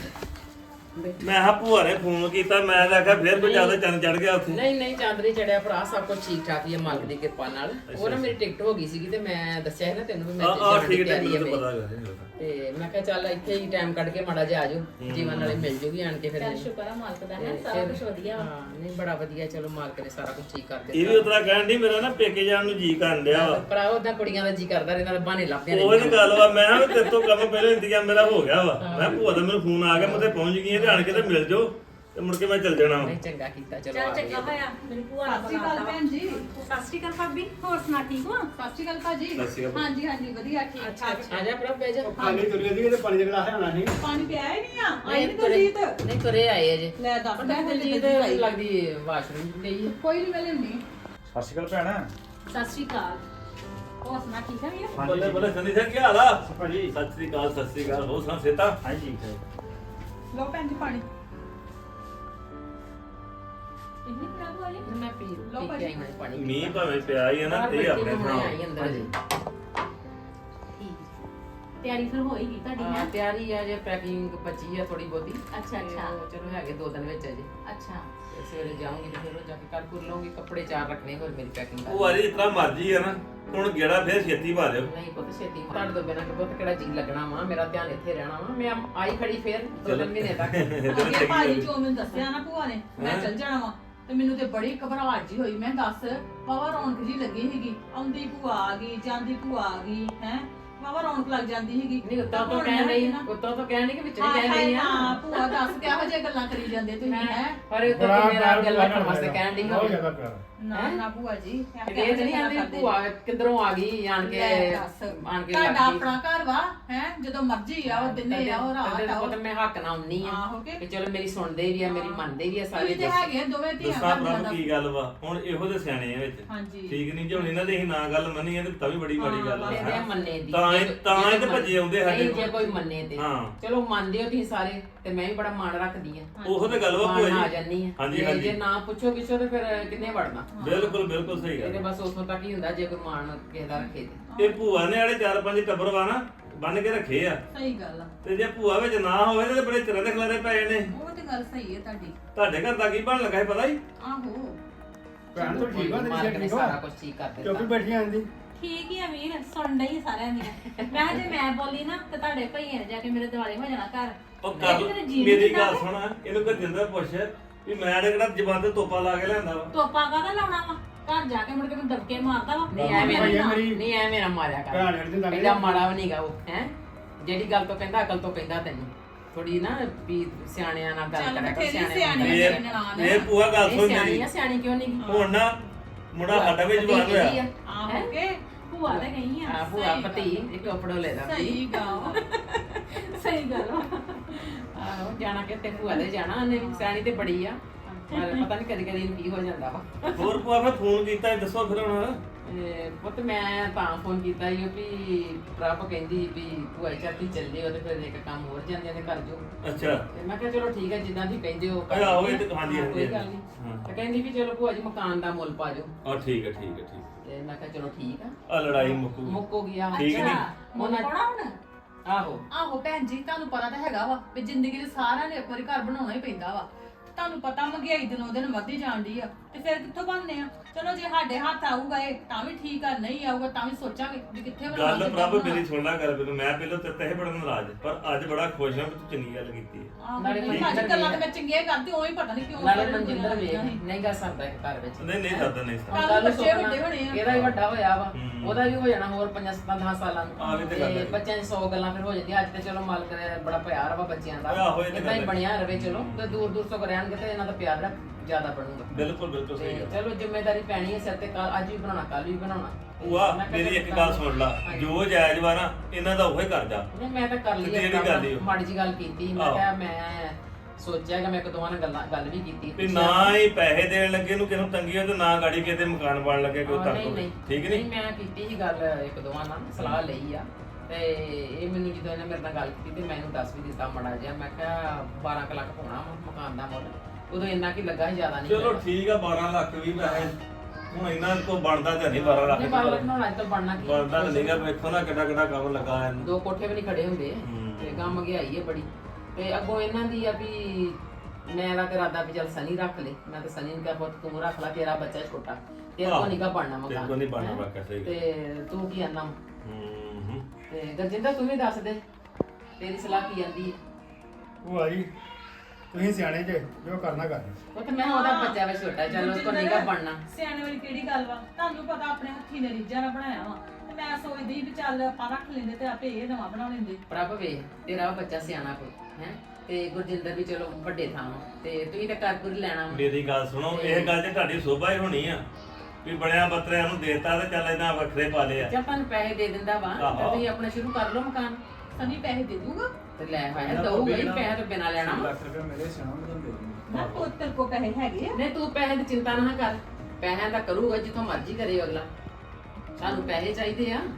Speaker 4: ਮੈਂ ਹਾਂ ਭੂਆ ਨੇ ਫੋਨ ਕੀਤਾ, ਮੈਂ ਤਾਂ ਆਖਿਆ ਫਿਰ ਕੋਈ ਜ਼ਿਆਦਾ ਚੰਨ ਚੜ ਗਿਆ ਉੱਥੇ।
Speaker 2: ਨਹੀਂ ਚਾਂਦਰੀ ਚੜਿਆ ਭਰਾ, ਸਭ ਕੁਝ ਠੀਕ ਠਾਕ ਹੀ ਹੈ ਮਾਲਕ ਦੀ ਕਿਰਪਾ ਨਾਲ। ਉਹ ਨਾ ਮੇਰੀ ਟਿਕਟ ਹੋ ਗਈ ਸੀਗੀ ਤੇ ਮੈਂ ਦੱਸਿਆ ਹੈ ਨਾ ਤੈਨੂੰ ਵੀ ਮੈਂ ਜਾਣ ਦੀ
Speaker 4: ਠੀਕ ਹੈ,
Speaker 2: ਤਿਆਰੀ ਹੈ
Speaker 4: ਮੈਨੂੰ ਪਤਾ
Speaker 2: ਮੇਰੀ।
Speaker 4: ਹੈਗਾ।
Speaker 2: ਤੇ ਮੈਂ ਕਿਹਾ ਚੱਲ ਇੱਥੇ ਹੀ ਟਾਈਮ ਕੱਢ ਕੇ ਮਾੜਾ ਜਿਹਾ ਆਜੋ, ਜੀਵਨ ਨਾਲੇ ਮਿਲ ਜੂਗੀ ਆਣ ਕੇ ਫਿਰ।
Speaker 5: ਚੱਲ ਸ਼ੁਕਰ ਆ ਮਾਲਕ ਦਾ, ਹੈ ਸਾਰਾ ਕੁਝ ਵਧੀਆ।
Speaker 2: ਹਾਂ ਨਹੀਂ ਬੜਾ ਵਧੀਆ, ਚਲੋ ਮਾਲਕ ਨੇ ਸਾਰਾ ਕੁਝ ਠੀਕ ਕਰ
Speaker 4: ਇਹ ਵੀ
Speaker 2: ਦਿੱਤਾ।
Speaker 4: ਉਤਰਾ ਕਹਿਣ ਦੀ ਮੇਰਾ ਨਾ ਪੇਕੇ ਜਾਣ ਨੂੰ ਜੀ ਕਰਨ ਡਿਆ ਵਾ।
Speaker 2: ਭਰਾ ਉਹਦਾ ਕੁੜੀਆਂ ਦਾ ਜੀ ਕਰਦਾ ਰਹਿੰਦਾ, ਬਹਾਨੇ ਲੱਭਦੇ
Speaker 4: ਉਹ ਨਹੀਂ ਗੱਲ ਵਾ, ਮੈਂ ਕਿਹਾ ਵੀ ਤੇਰੇ ਤੋਂ ਕੰਮ ਪਹਿਲਾਂ ਇੰਤਜ਼ਾਮ ਮੇਰਾ ਹੋ ਗਿਆ ਵਾ। ਮੈਂ ਭੂਆ ਦਾ ਮੈਨੂੰ ਫੋਨ ਆ ਗਿਆ, ਮੈਂ ਉੱਥੇ ਪਹੁੰਚ ਗਈ ਹਾਂ ਤੇ ਆਣ ਕੇ ਤੇ ਮਿਲ ਜਾਓ ਤੇ ਮੁੜ ਕੇ ਮੈਂ ਚੱਲ ਜਾਣਾ ਵਾ।
Speaker 2: ਨਹੀਂ ਚੰਗਾ ਕੀਤਾ, ਚਲੋ
Speaker 5: ਚੱਲ
Speaker 2: ਆ ਗਏ।
Speaker 5: ਚੰਗਾ ਹੋਇਆ ਮੇਰੀ ਭੂਆ ਦਾ
Speaker 6: ਸਤਿ ਸ਼੍ਰੀ ਅਕਾਲ ਭੈਣ ਜੀ।
Speaker 5: ਸਤਿ ਸ਼੍ਰੀ ਅਕਾਲ ਭਾਬੀ, ਹੋਰ ਸੁਣਾ ਠੀਕ ਹੋ?
Speaker 6: ਸਤਿ ਸ਼੍ਰੀ ਅਕਾਲ ਭਾਜੀ।
Speaker 4: ਸਤਿ ਸ਼੍ਰੀ ਅਕਾਲ।
Speaker 6: ਹਾਂਜੀ ਹਾਂਜੀ ਵਧੀਆ ਠੀਕ ਠਾਕ।
Speaker 2: ਆ ਜਾ ਭਰਾ ਬਹਿ ਜਾ।
Speaker 3: ਪਾਣੀ ਤੁਰ ਗਈ ਤੇ ਪਾਣੀ ਦਾ ਗਲਾਸ ਆਣਾ ਸੀ।
Speaker 6: ਪਾਣੀ ਪਿਆ ਹੀ ਨਹੀਂ ਆ, ਆਈ
Speaker 2: ਨਹੀਂ
Speaker 6: ਨਹੀਂ ਦਲਜੀਤ।
Speaker 2: ਨਹੀਂ ਤੁਰੇ ਆਏ ਅਜੇ।
Speaker 6: ਲੈ ਦੱਸ ਮੈਂ
Speaker 2: ਦਲਜੀਤ
Speaker 6: ਦਲਜੀਤ
Speaker 2: ਲੱਗਦੀ ਵਾਸ਼ਰੂਮ ਗਈ ਹੈ।
Speaker 6: ਕੋਈ ਨਹੀਂ ਮੈਂ ਲਿਆਉਣੀ।
Speaker 1: ਸਤਿ ਸ਼੍ਰੀ ਅਕਾਲ ਭੈਣ।
Speaker 5: ਸਤਿ ਸ਼੍ਰੀ ਅਕਾਲ, ਹੋਰ ਸੁਣਾ ਠੀਕ ਹੈ ਵੀਰ?
Speaker 4: ਬੱਲੇ ਬੱਲੇ ਸੰਨੀ ਸਿੰਘ ਕੀ ਹਾਲ ਆ?
Speaker 1: ਭਾਜੀ
Speaker 4: ਸਤਿ ਸ੍ਰੀ ਅਕਾਲ, ਸਤਿ ਸ੍ਰੀ ਅਕਾਲ। ਹੋ ਸੁਣਾ ਸੇਤਾ?
Speaker 1: ਹਾਂਜੀ
Speaker 6: ਲਓ ਭੈਣ ਜੀ ਪਾਣੀ।
Speaker 5: ਇੰਨੀ ਖਰਾਬ ਹੋ ਰਹੀ?
Speaker 2: ਮੈਂ ਪੀ ਕੇ ਆਈ ਹੁਣੇ ਪਾਣੀ।
Speaker 4: ਮੀਂਹ ਭਾਵੇਂ ਪਿਆ ਹੀ ਆ ਨਾ, ਤੇ ਆਪਣੇ
Speaker 2: ਹੁਣੇ
Speaker 4: ਸੁਣਾਓ।
Speaker 2: ਆਈ ਅੰਦਰ ਅਜੇ।
Speaker 5: ਠੀਕ ਤਿਆਰੀ ਫਿਰ ਹੋਏਗੀ ਤੁਹਾਡੀ
Speaker 2: ਹਾਂ
Speaker 5: ਹੈ?
Speaker 2: ਤਿਆਰੀ ਆ, ਜੇ ਪੈਕਿੰਗ ਬਚੀ ਆ ਥੋੜੀ ਬਹੁਤੀ।
Speaker 5: ਅੱਛਾ
Speaker 2: ਤੇ
Speaker 5: ਅੱਛਾ
Speaker 2: ਉਹ ਚਲੋ ਹੈਗੇ 2 ਦਿਨ ਵਿੱਚ ਅਜੇ।
Speaker 5: ਅੱਛਾ।
Speaker 2: ਤੇ ਸਵੇਰੇ ਜਾਊਂਗੀ ਤੇ ਫਿਰ ਉਹ ਜਾ ਕੇ ਕਰ ਕੁਰ ਲਵਾਂਗੀ, ਕੱਪੜੇ 4 ਰੱਖਣੇ, ਹੋਰ ਮੇਰੀ ਪੈਕਿੰਗ ਕਰ।
Speaker 4: ਉਹ ਵਾਰੀ ਇਤਨਾ ਮਰਜੀ ਆ ਨਾ, ਹੁਣ ਗੇੜਾ ਫੇਰ ਛੇਤੀ ਪਾ ਦਿਓ।
Speaker 2: ਨਹੀਂ ਪੁੱਤ ਛੇਤੀ ਤੁਹਾਡੇ ਤੋਂ ਬਿਨਾਂ ਕਿ ਪੁੱਤ ਕਿਹੜਾ ਜੀ ਲੱਗਣਾ ਵਾ, ਮੇਰਾ ਧਿਆਨ ਇੱਥੇ ਰਹਿਣਾ ਵਾ। ਮੈਂ ਆਈ ਖੜੀ ਫੇਰ 2 ਮਹੀਨੇ ਤੱਕ।
Speaker 6: ਅੱਗੇ ਭਾਜੀ ਜੋ ਮੈਨੂੰ ਦੱਸਿਆ ਨਾ ਭੂਆ ਨੇ, ਮੈਂ ਚੱਲ ਜਾਣਾ ਵਾ ਤੇ ਮੈਨੂੰ ਤੇ ਬੜੀ ਘਬਰਾਹਟ ਜੀ ਹੋਈ। ਮੈਂ ਦੱਸ ਵਾਵਾ ਰੌਣਕ ਜੀ ਲੱਗੀ ਸੀਗੀ, ਆਉਂਦੀ ਭੂਆ ਆ ਗਈ, ਜਾਂਦੀ ਭੂਆ ਆ ਗਈ, ਹੈ ਵਾਵਾ ਰੌਣਕ ਲੱਗ ਜਾਂਦੀ ਸੀਗੀ।
Speaker 2: ਨਹੀਂ ਉੱਤੋਂ ਤੋਂ ਕਹਿਣ ਰਹੀ ਨਾ, ਉੱਤੋਂ ਤੋਂ ਕਹਿਣ ਨਹੀਂ ਕਿ ਵਿੱਚ ਨਹੀਂ ਕਹਿ ਰਹੀ ਆ।
Speaker 6: ਹਾਂ ਭੂਆ ਦੱਸ ਕਿਹੋ ਜਿਹੀਆਂ ਗੱਲਾਂ ਕਰੀ ਜਾਂਦੇ ਤੁਸੀਂ ਹੈ।
Speaker 2: ਪਰ ਇਹ ਤਾਂ ਮੇਰਾ ਗੱਲ ਰੱਖਣ ਵਾਸਤੇ ਕਹਿਣ ਦੀ
Speaker 3: ਬਹੁਤ
Speaker 2: ਹੋਵੇ।
Speaker 3: ਜ਼ਿਆਦਾ ਪਿਆਰ।
Speaker 6: ਨਾ ਨਾ ਭੂਆ ਜੀ
Speaker 2: ਇਹ ਤੇ ਨਹੀਂ ਆਂਦੀ ਭੂਆ ਕਿੱਧਰੋਂ ਆ ਗਈ ਆਣ ਕੇ ਆਣ ਕੇ
Speaker 6: ਤੁਹਾਡਾ ਆਪਣਾ ਘਰ ਵਾ ਹੈ, ਜਦੋਂ ਮਰਜ਼ੀ ਆਓ ਦਿਨੇ ਆਓ ਰਾਤ ਆਓ।
Speaker 2: ਉਹ ਮੈਂ ਹੱਕ ਨਾਲ ਆਉਣੀ ਆ
Speaker 6: ਆਹੋ ਕਿ
Speaker 2: ਕਿ ਚਲੋ ਮੇਰੀ ਸੁਣਦੇ ਵੀ ਆ, ਮੇਰੀ ਮੰਨਦੇ ਵੀ ਆ ਸਾਰੇ।
Speaker 6: ਤੁਸੀਂ ਤੇ ਹੈਗੇ ਦੋਵੇਂ ਧੀਆਂ
Speaker 4: ਦੱਸਾਂ
Speaker 6: ਭੈਣਾਂ
Speaker 4: ਪ੍ਰਭ
Speaker 6: ਦਾ।
Speaker 4: ਕੀ ਗੱਲ ਵਾ, ਹੁਣ ਇਹੋ ਦੇ ਸਿਆਣੇ ਆ ਵਿੱਚ।
Speaker 6: ਹਾਂਜੀ
Speaker 4: ਠੀਕ ਨਹੀਂ, ਜੇ ਹੁਣ ਇਹਨਾਂ ਦੇ ਅਸੀਂ ਨਾ ਗੱਲ ਮੰਨੀਏ ਤੇ ਤਾਂ ਵੀ ਬੜੀ ਮਾੜੀ ਗੱਲ ਆ।
Speaker 2: ਇਹਦੇ ਮੰਨੇ ਦੀ
Speaker 4: ਤਾਂ ਇਹ ਤੇ ਭੱਜੇ ਆਉਂਦੇ ਸਾਡੇ
Speaker 2: ਨਹੀਂ, ਜੇ
Speaker 4: ਕੋਲ।
Speaker 2: ਕੋਈ ਮੰਨੇ ਤੇ
Speaker 4: ਹਾਂ।
Speaker 2: ਚਲੋ ਮੰਨਦੇ ਹੋ ਤੁਸੀਂ ਸਾਰੇ, ਤੇ ਮੈਂ ਵੀ ਬੜਾ ਮਾਣ ਰੱਖਦੀ ਆ।
Speaker 4: ਉਹੋ ਤੇ ਗੱਲ ਵਾ
Speaker 2: ਮਾਣ
Speaker 4: ਭੂਆ
Speaker 2: ਆ
Speaker 4: ਜੀ।
Speaker 2: ਜਾਨੀ ਆ।
Speaker 4: ਹਾਂਜੀ,
Speaker 2: ਤੇ
Speaker 4: ਹਾਂਜੀ।
Speaker 2: ਜੇ ਨਾ ਪੁੱਛੋ ਕਿਛੋ ਤੇ ਫਿਰ ਕਿੰਨੇ ਵੜਨਾ।
Speaker 4: ਬਿਲਕੁਲ ਬਿਲਕੁਲ ਸਹੀ
Speaker 2: ਇਹਦੇ
Speaker 4: ਗੱਲ।
Speaker 2: ਬਸ ਉਥੋਂ ਤੱਕ ਹੀ ਹੁੰਦਾ ਜੇ ਕੋਈ ਮਾਣ ਕਿਸੇ ਦਾ ਰੱਖੇ ਤੇ।
Speaker 4: ਇਹ ਭੂਆ ਨੇ ਵਾਲੇ 4-5 ਟੱਬਰ ਵਾ ਨਾ ਬੰਨ ਕੇ ਰੱਖੇ ਆ,
Speaker 6: ਸਹੀ ਗੱਲ ਆ,
Speaker 4: ਤੇ ਜੇ ਭੂਆ ਵਿੱਚ ਨਾ ਹੋਵੇ ਤੇ ਬੜੇ ਤਰ੍ਹਾਂ ਦੇ ਖਲਾਰੇ ਪੈ ਜਾਣੇ।
Speaker 6: ਉਹ ਤੇ ਗੱਲ ਸਹੀ ਹੈ ਤੁਹਾਡੀ।
Speaker 4: ਤੁਹਾਡੇ ਘਰ ਦਾ ਕੀ ਬਣ ਲੱਗਾ ਹੈ ਪਤਾ ਹੀ?
Speaker 6: ਆਹੋ
Speaker 3: ਭੈਣ ਤੂੰ ਠੀਕ ਆ?
Speaker 2: ਮਾਲਕ
Speaker 3: ਤੇਰੀ
Speaker 2: ਨੇ
Speaker 3: ਠੀਕ
Speaker 2: ਸਾਰਾ
Speaker 3: ਆ?
Speaker 2: ਕੁਝ ਠੀਕ ਕਰ
Speaker 3: ਚੁੱਪ
Speaker 2: ਦਿੱਤਾ।
Speaker 3: ਬੈਠੀ ਆਂਦੀ।
Speaker 5: ਠੀਕ ਹੀ ਆ ਵੀਰ, ਸੁਣ ਲਈ ਸਾਰਿਆਂ ਦੀਆਂ। ਮੈਂ ਕਿਹਾ ਜੇ ਮੈਂ ਬੋਲੀ ਨਾ ਤੇ ਤੁਹਾਡੇ ਭਈਏ ਨੇ ਜਾ ਕੇ ਮੇਰੇ ਦੁਆਲੇ ਹੋ ਜਾਣਾ ਘਰ।
Speaker 4: ਉਹ ਕਰ
Speaker 5: ਮੇਰਾ ਜੀਅ ਨੀ
Speaker 4: ਮੇਰੀ
Speaker 5: ਕੀਤਾ
Speaker 4: ਗੱਲ
Speaker 5: ਤੇ।
Speaker 4: ਸੁਣ, ਇਹਨੂੰ ਕੋਈ ਜਿੰਦਾ ਪੁੱਛ ਵੀ ਮੈਂ ਕਿਹੜਾ ਜ਼ਬਾਨ ਤੇ ਤੋਪਾ ਲਾ ਕੇ ਲਿਆਂਦਾ ਵਾ।
Speaker 5: ਤੋਪਾ ਕਾਹਦਾ ਲਾਉਣਾ ਵਾ? ਘਰ ਜਾ ਕੇ ਮੁੜ ਕੇ ਮੈਨੂੰ ਦਬਕੇ ਮਾਰਦਾ ਵਾ।
Speaker 2: ਨਹੀਂ ਐਵੇਂ
Speaker 3: ਭਾਈ ਇਹ ਮੇਰੀ
Speaker 2: ਨਹੀਂ ਐਵੇਂ ਨਾ ਮਾਰਿਆ ਕਰ।
Speaker 3: ਭੈਣ ਹੜ ਦਿੰਦਾ
Speaker 2: ਇਹਦਾ ਮਾੜਾ ਵੀ ਨਹੀਂਗਾ ਉਹ, ਹੈ ਜਿਹੜੀ ਗੱਲ ਤੋਂ ਕਹਿੰਦਾ ਅਕਲ ਤੋਂ ਕਹਿੰਦਾ ਤੈਨੂੰ। ਥੋੜੀ ਨਾ ਵੀ ਸਿਆਣਿਆਂ ਨਾਲ ਗੱਲ
Speaker 6: ਚੱਲ
Speaker 2: ਕਰਿਆ ਕਰ,
Speaker 6: ਬਥੇਰੀ
Speaker 2: ਸਿਆਣਿਆਂ
Speaker 6: ਸਿਆਣੀ
Speaker 2: ਨਾਲ।
Speaker 6: ਆ। ਨਨਾਣ
Speaker 4: ਇਹ ਭੂਆ ਗੱਲ
Speaker 2: ਨਹੀਂ
Speaker 4: ਸੁਣ
Speaker 2: ਸਿਆਣੀ
Speaker 4: ਮੇਰੀ,
Speaker 2: ਆ, ਸਿਆਣੀ ਕਿਉਂ ਨਹੀਂ?
Speaker 4: ਹੁਣ ਨਾ ਮੁੰਡਾ ਸਾਡਾ ਵੀ ਜਵਾਨ ਹੋਇਆ।
Speaker 6: ਆਹੋ ਕਿ
Speaker 5: ਭੂਆ ਤੇ ਗਈ ਆ।
Speaker 2: ਆ ਭੂਆ ਪਤੀ ਇੱਕ ਕਪੜੋ ਲੈ ਦਾ
Speaker 6: ਸਹੀ ਗੱਲ।
Speaker 5: ਸਹੀ ਗੱਲ ਵਾ।
Speaker 2: ਆਹੋ ਜਾਣਾ ਕਿ ਤੇ ਭੂਆ ਦੇ ਜਾਣਾ ਉਹਨੇ ਵੀ, ਸਿਆਣੀ ਤੇ ਬੜੀ ਆ। ਪਰ ਪਤਾ ਨਹੀਂ ਕਦੀ ਕਦੀ ਕੀ ਹੋ ਜਾਂਦਾ ਵਾ
Speaker 4: ਹੋਰ ਭੂਆ ਫਿਰ ਫੋਨ ਕੀਤਾ ਸੀ, ਦੱਸੋ ਫਿਰ ਹੁਣ।
Speaker 2: ਪੁੱਤ ਮੈਂ ਤਾਂ ਫੋਨ ਕੀਤਾ ਸੀ ਵੀ ਪ੍ਰਭ ਕਹਿੰਦੀ ਵੀ ਭੂਆ ਚਾਤੀ ਚੱਲੇ ਹੋ ਤੇ ਫਿਰ ਇੱਕ ਕੰਮ ਹੋਰ ਜਾਂਦੇ ਨੇ ਕਰ ਜੋ।
Speaker 4: ਅੱਛਾ
Speaker 2: ਤੇ ਮੈਂ ਕਿਹਾ ਚਲੋ ਠੀਕ ਹੈ ਜਿੱਦਾਂ ਦੀ ਕਹਿੰਦੇ ਹੋ ਕਰ
Speaker 4: ਆਹੋ, ਇਹ
Speaker 2: ਦਿੰਦੇ
Speaker 4: ਤਾਂ
Speaker 2: ਆ।
Speaker 4: ਹਾਂਜੀ, ਹਾਂਜੀ,
Speaker 2: ਕੋਈ ਗੱਲ ਨਹੀਂ
Speaker 4: ਹਾਂ।
Speaker 2: ਤੇ ਕਹਿੰਦੀ ਵੀ ਚਲੋ ਭੂਆ ਜੀ ਮਕਾਨ ਦਾ ਮੁੱਲ ਪਾ ਜਾਓ।
Speaker 4: ਆ ਠੀਕ ਹੈ ਠੀਕ ਹੈ ਠੀਕ
Speaker 2: ਤੇ ਮੈਂ ਕਿਹਾ ਚਲੋ ਠੀਕ ਆ
Speaker 4: ਆ ਲੜਾਈ ਮੁੱਕੂ
Speaker 2: ਮੁੱਕ ਗਿਆ
Speaker 4: ਠੀਕ ਨੀ?
Speaker 6: ਹੁਣ ਪਾਉਣਾ ਹੁਣ
Speaker 2: ਆਹੋ
Speaker 6: ਆਹੋ ਭੈਣ ਜੀ ਤੁਹਾਨੂੰ ਪਤਾ ਤਾਂ ਹੈਗਾ ਵਾ ਵੀ ਜ਼ਿੰਦਗੀ 'ਚ ਸਾਰਿਆਂ ਨੇ ਇੱਕ ਵਾਰੀ ਘਰ ਬਣਾਉਣਾ ਹੀ ਪੈਂਦਾ ਵਾ ਤੁਹਾਨੂੰ ਪਤਾ ਮਹਿੰਗਾਈ ਦਿਨੋਂ ਦਿਨ ਵੱਧਦੀ ਜਾਂਦੀ ਆ ਤੇ ਫਿਰ ਕਿੱਥੋਂ ਬਣਨੇ ਆ ਚਲੋ ਜੇ ਸਾਡੇ ਹੱਥ ਆਊਗਾ ਇਹ ਤਾਂ ਵੀ ਠੀਕ ਆ ਨਹੀਂ ਆਊਗਾ ਤਾਂ ਵੀ ਸੋਚਾਂਗੇ ਵੀ ਕਿੱਥੇ ਬਣਾਉਣਾ
Speaker 4: ਗੱਲ
Speaker 6: ਕਿੱਦਾਂ
Speaker 4: ਪ੍ਰਭ
Speaker 6: ਬਣਾਉਣਾ।
Speaker 4: ਮੇਰੀ ਸੁਣਨਾ ਕਰ ਮੈਨੂੰ, ਮੈਂ ਪਹਿਲਾਂ ਤੇ ਤਹਿ ਬੜਾ ਨਾਰਾਜ਼ ਪਰ ਅੱਜ ਬੜਾ ਖੁਸ਼ ਹਾਂ ਕਿ ਤੂੰ ਚੰਗੀ ਗੱਲ ਕੀਤੀ ਹੈ।
Speaker 6: ਆਹੋ,
Speaker 2: ਨਾਲੇ
Speaker 6: ਮੈਨੂੰ
Speaker 2: ਮਨਜਿੰਦਰ
Speaker 6: ਅੱਜ ਗੱਲਾਂ ਤੇ
Speaker 2: ਵੀ-
Speaker 6: ਮੈਂ ਚੰਗੀਆਂ ਕਰਦੀ ਉਹੀ ਪਤਾ ਨਹੀਂ ਕਿਉਂ
Speaker 2: ਨਾਲੇ
Speaker 6: ਸਾਰੇ ਨੂੰ
Speaker 2: ਮਨਜਿੰਦਰ ਵੇਖ
Speaker 6: ਲੱਗੀਆਂ ਸੀ।
Speaker 2: ਨਹੀਂ ਗਾ ਸਰਦਾ ਇੱਕ ਘਰ ਵਿੱਚ
Speaker 4: ਨਹੀਂ ਨਹੀਂ ਸਰਦਾ ਨਹੀਂ ਸਰਦਾ।
Speaker 6: ਕੱਲ੍ਹ
Speaker 2: ਕੱਲ੍ਹ ਨੂੰ
Speaker 6: ਬੱਚੇ
Speaker 2: ਸੁਪਨਾ
Speaker 6: ਵੱਡੇ ਹੋਣੇ ਆ।
Speaker 2: ਇਹਦਾ ਹੀ ਵੱਡਾ ਹੋਇਆ ਵਾ
Speaker 4: ਹੂੰ।
Speaker 2: ਉਹਦਾ ਵੀ ਹੋ ਜਾਣਾ ਹੋਰ 5-7-10 ਸਾਲਾਂ
Speaker 4: ਆਹ ਵੀ
Speaker 2: ਨੂੰ
Speaker 4: ਤੇ ਗੱਲ ਹੈ।
Speaker 2: ਬੱਚਿਆਂ ਦੀ 100 ਗੱਲਾਂ ਫਿਰ ਹੋ ਜਾਂਦੀਆਂ ਅੱਜ ਤੇ ਚਲੋ ਮਾਲਕ ਦਾ ਬੜਾ ਪਿਆਰ ਵਾ ਬੱਚਿਆਂ ਦਾ
Speaker 4: ਆਹੋ, ਇਹ ਤੇ
Speaker 2: ਏਦਾਂ ਹੀ
Speaker 4: ਗੱਲ ਹੈ।
Speaker 2: ਬਣਿਆ ਰਵੇ ਚਲੋ ਤੇ ਦੂਰ ਦੂਰ ਤੋਂ ਰਹਿਣਗੇ ਤੇ ਇਹਨਾਂ ਦਾ ਪਿਆਰ ਜਿਹੜਾ ਜ਼ਿਆਦਾ ਬਣੂਗਾ
Speaker 4: ਬਿਲਕੁਲ ਬਿਲਕੁਲ
Speaker 2: ਤੇ
Speaker 4: ਸਹੀ ਗੱਲ।
Speaker 2: ਚਲੋ ਜ਼ਿੰਮੇਵਾਰੀ ਪੈਣੀ ਹੈ ਸਿਰ ਤੇ ਅੱਜ ਵੀ ਬਣਾਉਣਾ ਕੱਲ ਵੀ ਬਣਾਉਣਾ
Speaker 4: ਭੂਆ
Speaker 2: ਮੈਂ ਕਿਹਾ
Speaker 4: ਮੇਰੀ ਇੱਕ
Speaker 2: ਚੱਲ
Speaker 4: ਗੱਲ ਸੁਣ ਲਾ,
Speaker 2: ਹਾਂਜੀ।
Speaker 4: ਜੋ ਜਾਇਜ਼ ਵਾ ਨਾ ਇਹਨਾਂ ਦਾ ਉਹੀ ਕਰ ਜਾ।
Speaker 2: ਨਹੀਂ ਮੈਂ ਤਾਂ ਕਰ ਲਈ
Speaker 4: ਤੇ ਜਿਹੜੀ
Speaker 2: ਆਪਣਾ
Speaker 4: ਗੱਲ ਈ ਉਹ।
Speaker 2: ਮਾੜੀ ਜੀ ਗੱਲ ਕੀਤੀ ਮੈਂ
Speaker 4: ਆਹੋ।
Speaker 2: ਕਿਹਾ ਮੈਂ ਸੋਚਿਆ ਕਿ ਮੈਂ ਇੱਕ ਦੋਵਾਂ ਨਾਲ ਗੱਲ ਵੀ ਕੀਤੀ
Speaker 4: ਵੀ ਨਾ ਹੀ ਪੈਸੇ ਦੇਣ ਲੱਗੇ ਨੂੰ ਕਿਸੇ ਨੂੰ ਤੰਗੀ ਹੋ ਤੇ ਨਾ ਗਾੜੀ ਕਿਸੇ ਦੇ ਮਕਾਨ ਬਣ ਲੱਗੇ ਕੋਈ ਤੰਗ
Speaker 2: ਨਹੀਂ
Speaker 4: ਹੋਵੇ।
Speaker 2: ਨਹੀਂ
Speaker 4: ਠੀਕ
Speaker 2: ਨਹੀਂ
Speaker 4: ਨਹੀਂ?
Speaker 2: ਮੈਂ ਕੀਤੀ ਸੀ ਗੱਲ ਇੱਕ ਦੋਵਾਂ ਨਾਲ ਸਲਾਹ ਲਈ ਆ ਤੇ ਇਹ ਮੈਨੂੰ ਜਦੋਂ ਇਹਨੇ ਮੇਰੇ ਨਾਲ ਗੱਲ ਕੀਤੀ ਤੇ ਮੈਨੂੰ ਦੱਸ ਵੀ ਦਿੱਤਾ ਮੜਾ ਜਿਹਾ ਮੈਂ ਕਿਹਾ 12 ਕੁ ਲੱਖ ਹੋਣਾ ਵਾ ਮਕਾਨ ਦਾ ਮੁੱਲ ਉਦੋਂ ਇੰਨਾ ਕੀ ਲੱਗਾ ਸੀ ਜ਼ਿਆਦਾ ਨਹੀਂ
Speaker 4: ਚਲੋ ਠੀਕ ਆ 12 ਲੱਖ ਵੀ ਪੈਸੇ ਹੁਣ ਇਹਨਾਂ ਕੋ ਬਣਦਾ ਤਾਂ ਨਹੀਂ 12 ਲੱਖ
Speaker 2: ਨਹੀਂ 12 ਲੱਖ ਨਾਲ ਅੱਜ ਤੋਂ ਬਣਨਾ ਕੀ
Speaker 4: ਬਣਦਾ ਤਾਂ ਨਹੀਂਗਾ, ਵੇਖੋ ਨਾ ਕਿੱਡਾ ਕਿੱਡਾ ਕੰਮ ਲੱਗਾ ਇਹਨੂੰ।
Speaker 2: ਦੋ ਕੋਠੇ ਵੀ ਨਹੀਂ ਖੜੇ ਹੁੰਦੇ
Speaker 4: ਹੂੰ।
Speaker 2: ਤੇ ਗਮ ਮਹਿੰਗਾਈ ਹੈ ਬੜੀ ਤੇ ਅੱਗੋਂ ਇਹਨਾਂ ਦੀ ਆ ਵੀ ਮੈਂ ਦਾ ਇਰਾਦਾ ਵੀ ਚੱਲ ਸਨੀ ਰੱਖ ਲੈ ਮੈਂ ਤਾਂ ਸਨੀ ਨੂੰ ਕਿਹਾ ਪੁੱਤ ਤੂੰ ਰੱਖ ਲੈ ਤੇਰਾ ਬੱਚਾ ਛੋਟਾ ਤੇਰੇ ਕੋਲ ਨਹੀਂਗਾ ਬਣਨਾ
Speaker 4: ਤੇਰੇ
Speaker 2: ਮਕਾਨ
Speaker 4: ਕੋਲ ਨਹੀਂ ਬਣਨਾ
Speaker 2: ਹੈਂ?
Speaker 4: ਵਾਕਿਆ ਸਹੀ ਗੱਲ।
Speaker 2: ਤੇ ਤੂੰ ਕੀ ਆਨਾ
Speaker 4: ਹੂੰ
Speaker 2: ਤੇ ਗਰਜਿੰਦਰ ਤੂੰ ਵੀ ਦੱਸ ਦੇ ਤੇਰੀ ਸਲਾਹ ਕੀ ਆਂਦੀ
Speaker 3: ਭੂਆ ਜੀ ਤੁਸੀਂ ਸਿਆਣੇ ਜੇ ਜੋ ਕਰਨਾ ਕਰ
Speaker 2: ਉਹ ਤੇ ਮੈਂ ਉਹਦਾ ਬੱਚਾ ਵੇ ਛੋਟਾ ਚੱਲ ਉਸ ਕੋ ਨਹੀਂਗਾ ਬਣਨਾ
Speaker 6: ਸਿਆਣੇ ਵਾਲੀ ਕਿਹੜੀ ਗੱਲ ਵਾ ਤੁਹਾਨੂੰ ਪਤਾ ਆਪਣੇ ਹੱਥੀ ਨੇ ਰੀਝਾਂ ਨਾਲ ਬਣਾਇਆ ਵਾ ਤੇ ਮੈਂ ਸੋਚਦੀ ਸੀ ਵੀ ਚੱਲ ਆਪਾਂ ਰੱਖ ਲੈਂਦੇ ਤੇ ਆਪੇ ਇਹ ਨਵਾਂ ਬਣਾ ਲੈਂਦੇ
Speaker 2: ਪ੍ਰਭ ਵੇ ਤੇਰਾ ਉਹ ਬੱਚਾ ਸਿਆਣਾ ਕੋਈ ਹੈ ਤੇ ਗੁਰਜਿੰਦਰ ਵੀ ਚਲੋ ਵੱਡੇ ਥਾਂ ਵਾ ਤੇ ਤੂੰ ਤਾਂ ਕਰਪੂਰ ਲੈਣਾ ਵਾ
Speaker 4: ਮੇਰੀ ਗੱਲ ਸੁਣੋ, ਇਹ ਗੱਲ ਤੇ ਤੁਹਾਡੀ ਸੋਭਾ ਹੀ ਹੋਣੀ ਆ ਵੀ ਬਣਿਆ ਬੱਤਰਿਆਂ ਨੂੰ ਦੇਤਾ ਤੇ ਚੱਲ ਇਹਨਾਂ ਵੱਖਰੇ ਪਾ ਲਏ ਆ।
Speaker 2: ਜੇ ਆਪਾਂ ਨੂੰ ਪੈਸੇ ਦੇ ਦਿੰਦਾ ਵਾ
Speaker 4: ਆਹੋ।
Speaker 2: ਤਾਂ ਤੁਸੀਂ ਆਪਣਾ ਸ਼ੁਰੂ ਕਰ ਲਓ ਮਕਾਨ
Speaker 6: ਸਨੀ ਪੈਸੇ ਦੇ ਦੂਗਾ
Speaker 2: ਤੇ ਲੈ ਹੋਇਆ ਦਊਗਾ ਹੀ ਪੈਸੇ ਤੋਂ ਬਿਨਾ ਲੈਣਾ ਵਾ
Speaker 3: ਲੱਖ ਰੁਪਏ ਮੇਰੇ ਸਿਆਣਾ ਨੂੰ ਦੇ ਦੂੰਗਾ
Speaker 6: ਨਾ ਕੋਲ ਤੇਰੇ ਕੋ ਪੈਸੇ ਹੈਗੇ ਆ
Speaker 2: ਨਹੀਂ ਤੂੰ ਪੈਸੇ ਦੀ ਚਿੰਤਾ ਨਾ ਕਰ ਪੈਸਿਆਂ ਦਾ ਕਰੂਗਾ ਜਿੱਥੋਂ ਮਰਜ਼ੀ ਕਰੇ ਅਗਲਾ ਸਾਨੂੰ ਪੈਸੇ ਚਾਹੀਦੇ ਆ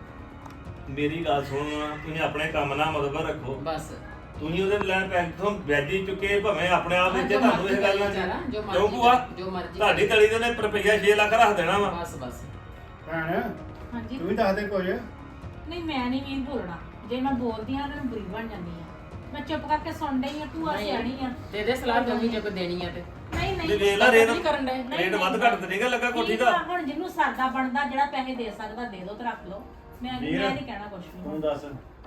Speaker 4: ਮੇਰੀ ਗੱਲ ਸੁਣੋ, ਤੁਸੀਂ ਆਪਣੇ ਕੰਮ ਨਾਲ ਮਤਲਬ ਰੱਖੋ।
Speaker 2: ਬਸ
Speaker 4: ਤੁਸੀਂ ਉਹਦੇ ਲੈਣ ਪੈਸੇ ਤੋਂ ਵਿਆਜੀ ਚੁੱਕੇ ਭਾਵੇਂ ਆਪਣੇ ਆਪ ਵਿੱਚ
Speaker 2: ਜੋ
Speaker 4: ਤੁਹਾਨੂੰ ਇਹ ਗੱਲ
Speaker 2: ਮਰਜ਼ੀ
Speaker 4: ਨਾ
Speaker 2: ਜੋ
Speaker 4: ਕਿਉਂ ਭੂਆ
Speaker 2: ਜੋ ਮਰਜ਼ੀ
Speaker 4: ਤੁਹਾਡੀ ਤਲੀ ਦੇ ਨੇ ਰੁਪਈਆ 6 ਲੱਖ ਰੱਖ ਦੇਣਾ ਵਾ।
Speaker 2: ਬਸ ਬਸ
Speaker 3: ਭੈਣ
Speaker 5: ਹਾਂਜੀ
Speaker 3: ਤੂੰ ਵੀ ਦੱਸ ਦੇ ਕੁਝ
Speaker 5: ਨਹੀਂ ਮੈਂ ਨਹੀਂ ਵੀ ਬੋਲਣਾ ਜੇ ਮੈਂ ਬੋਲਦੀ ਆ ਤਾਂ ਬੁਰੀ ਬਣ ਜਾਂਦੀ ਆ ਮੈਂ ਚੁੱਪ ਕਰਕੇ ਸੁਣ ਡਈ ਆ ਤੂੰ ਆ ਸਿਆਣੀ ਆ
Speaker 2: ਦੇ ਦੇ ਸਲਾਹ ਦੋਵੀਂ ਜੇ ਕੋਈ ਦੇਣੀ ਆ ਤੇ
Speaker 5: ਨਹੀਂ
Speaker 4: ਤੇ
Speaker 5: ਨਹੀਂ
Speaker 4: ਵੇਖ ਲੈ ਰੇਟ
Speaker 2: ਨਹੀਂ ਕਰਨ ਡਏ।
Speaker 4: ਰੇਟ ਵੱਧ ਘੱਟ ਤੇ ਨਹੀਂਗਾ ਲੱਗਾ ਕੋਠੀ
Speaker 5: ਠੀਕ
Speaker 4: ਦਾ।
Speaker 5: ਆ, ਹੁਣ ਜਿਹਨੂੰ ਸਰਦਾ ਬਣਦਾ ਜਿਹੜਾ ਪੈਸੇ ਦੇ ਸਕਦਾ ਦੇ ਦੋ ਤੇ ਰੱਖ ਲਓ ਮੈਂ
Speaker 1: ਵੀਰ,
Speaker 5: ਨਹੀਂ ਕਹਿਣਾ ਕੁਝ ਵੀ
Speaker 1: ਤੂੰ ਦੱਸ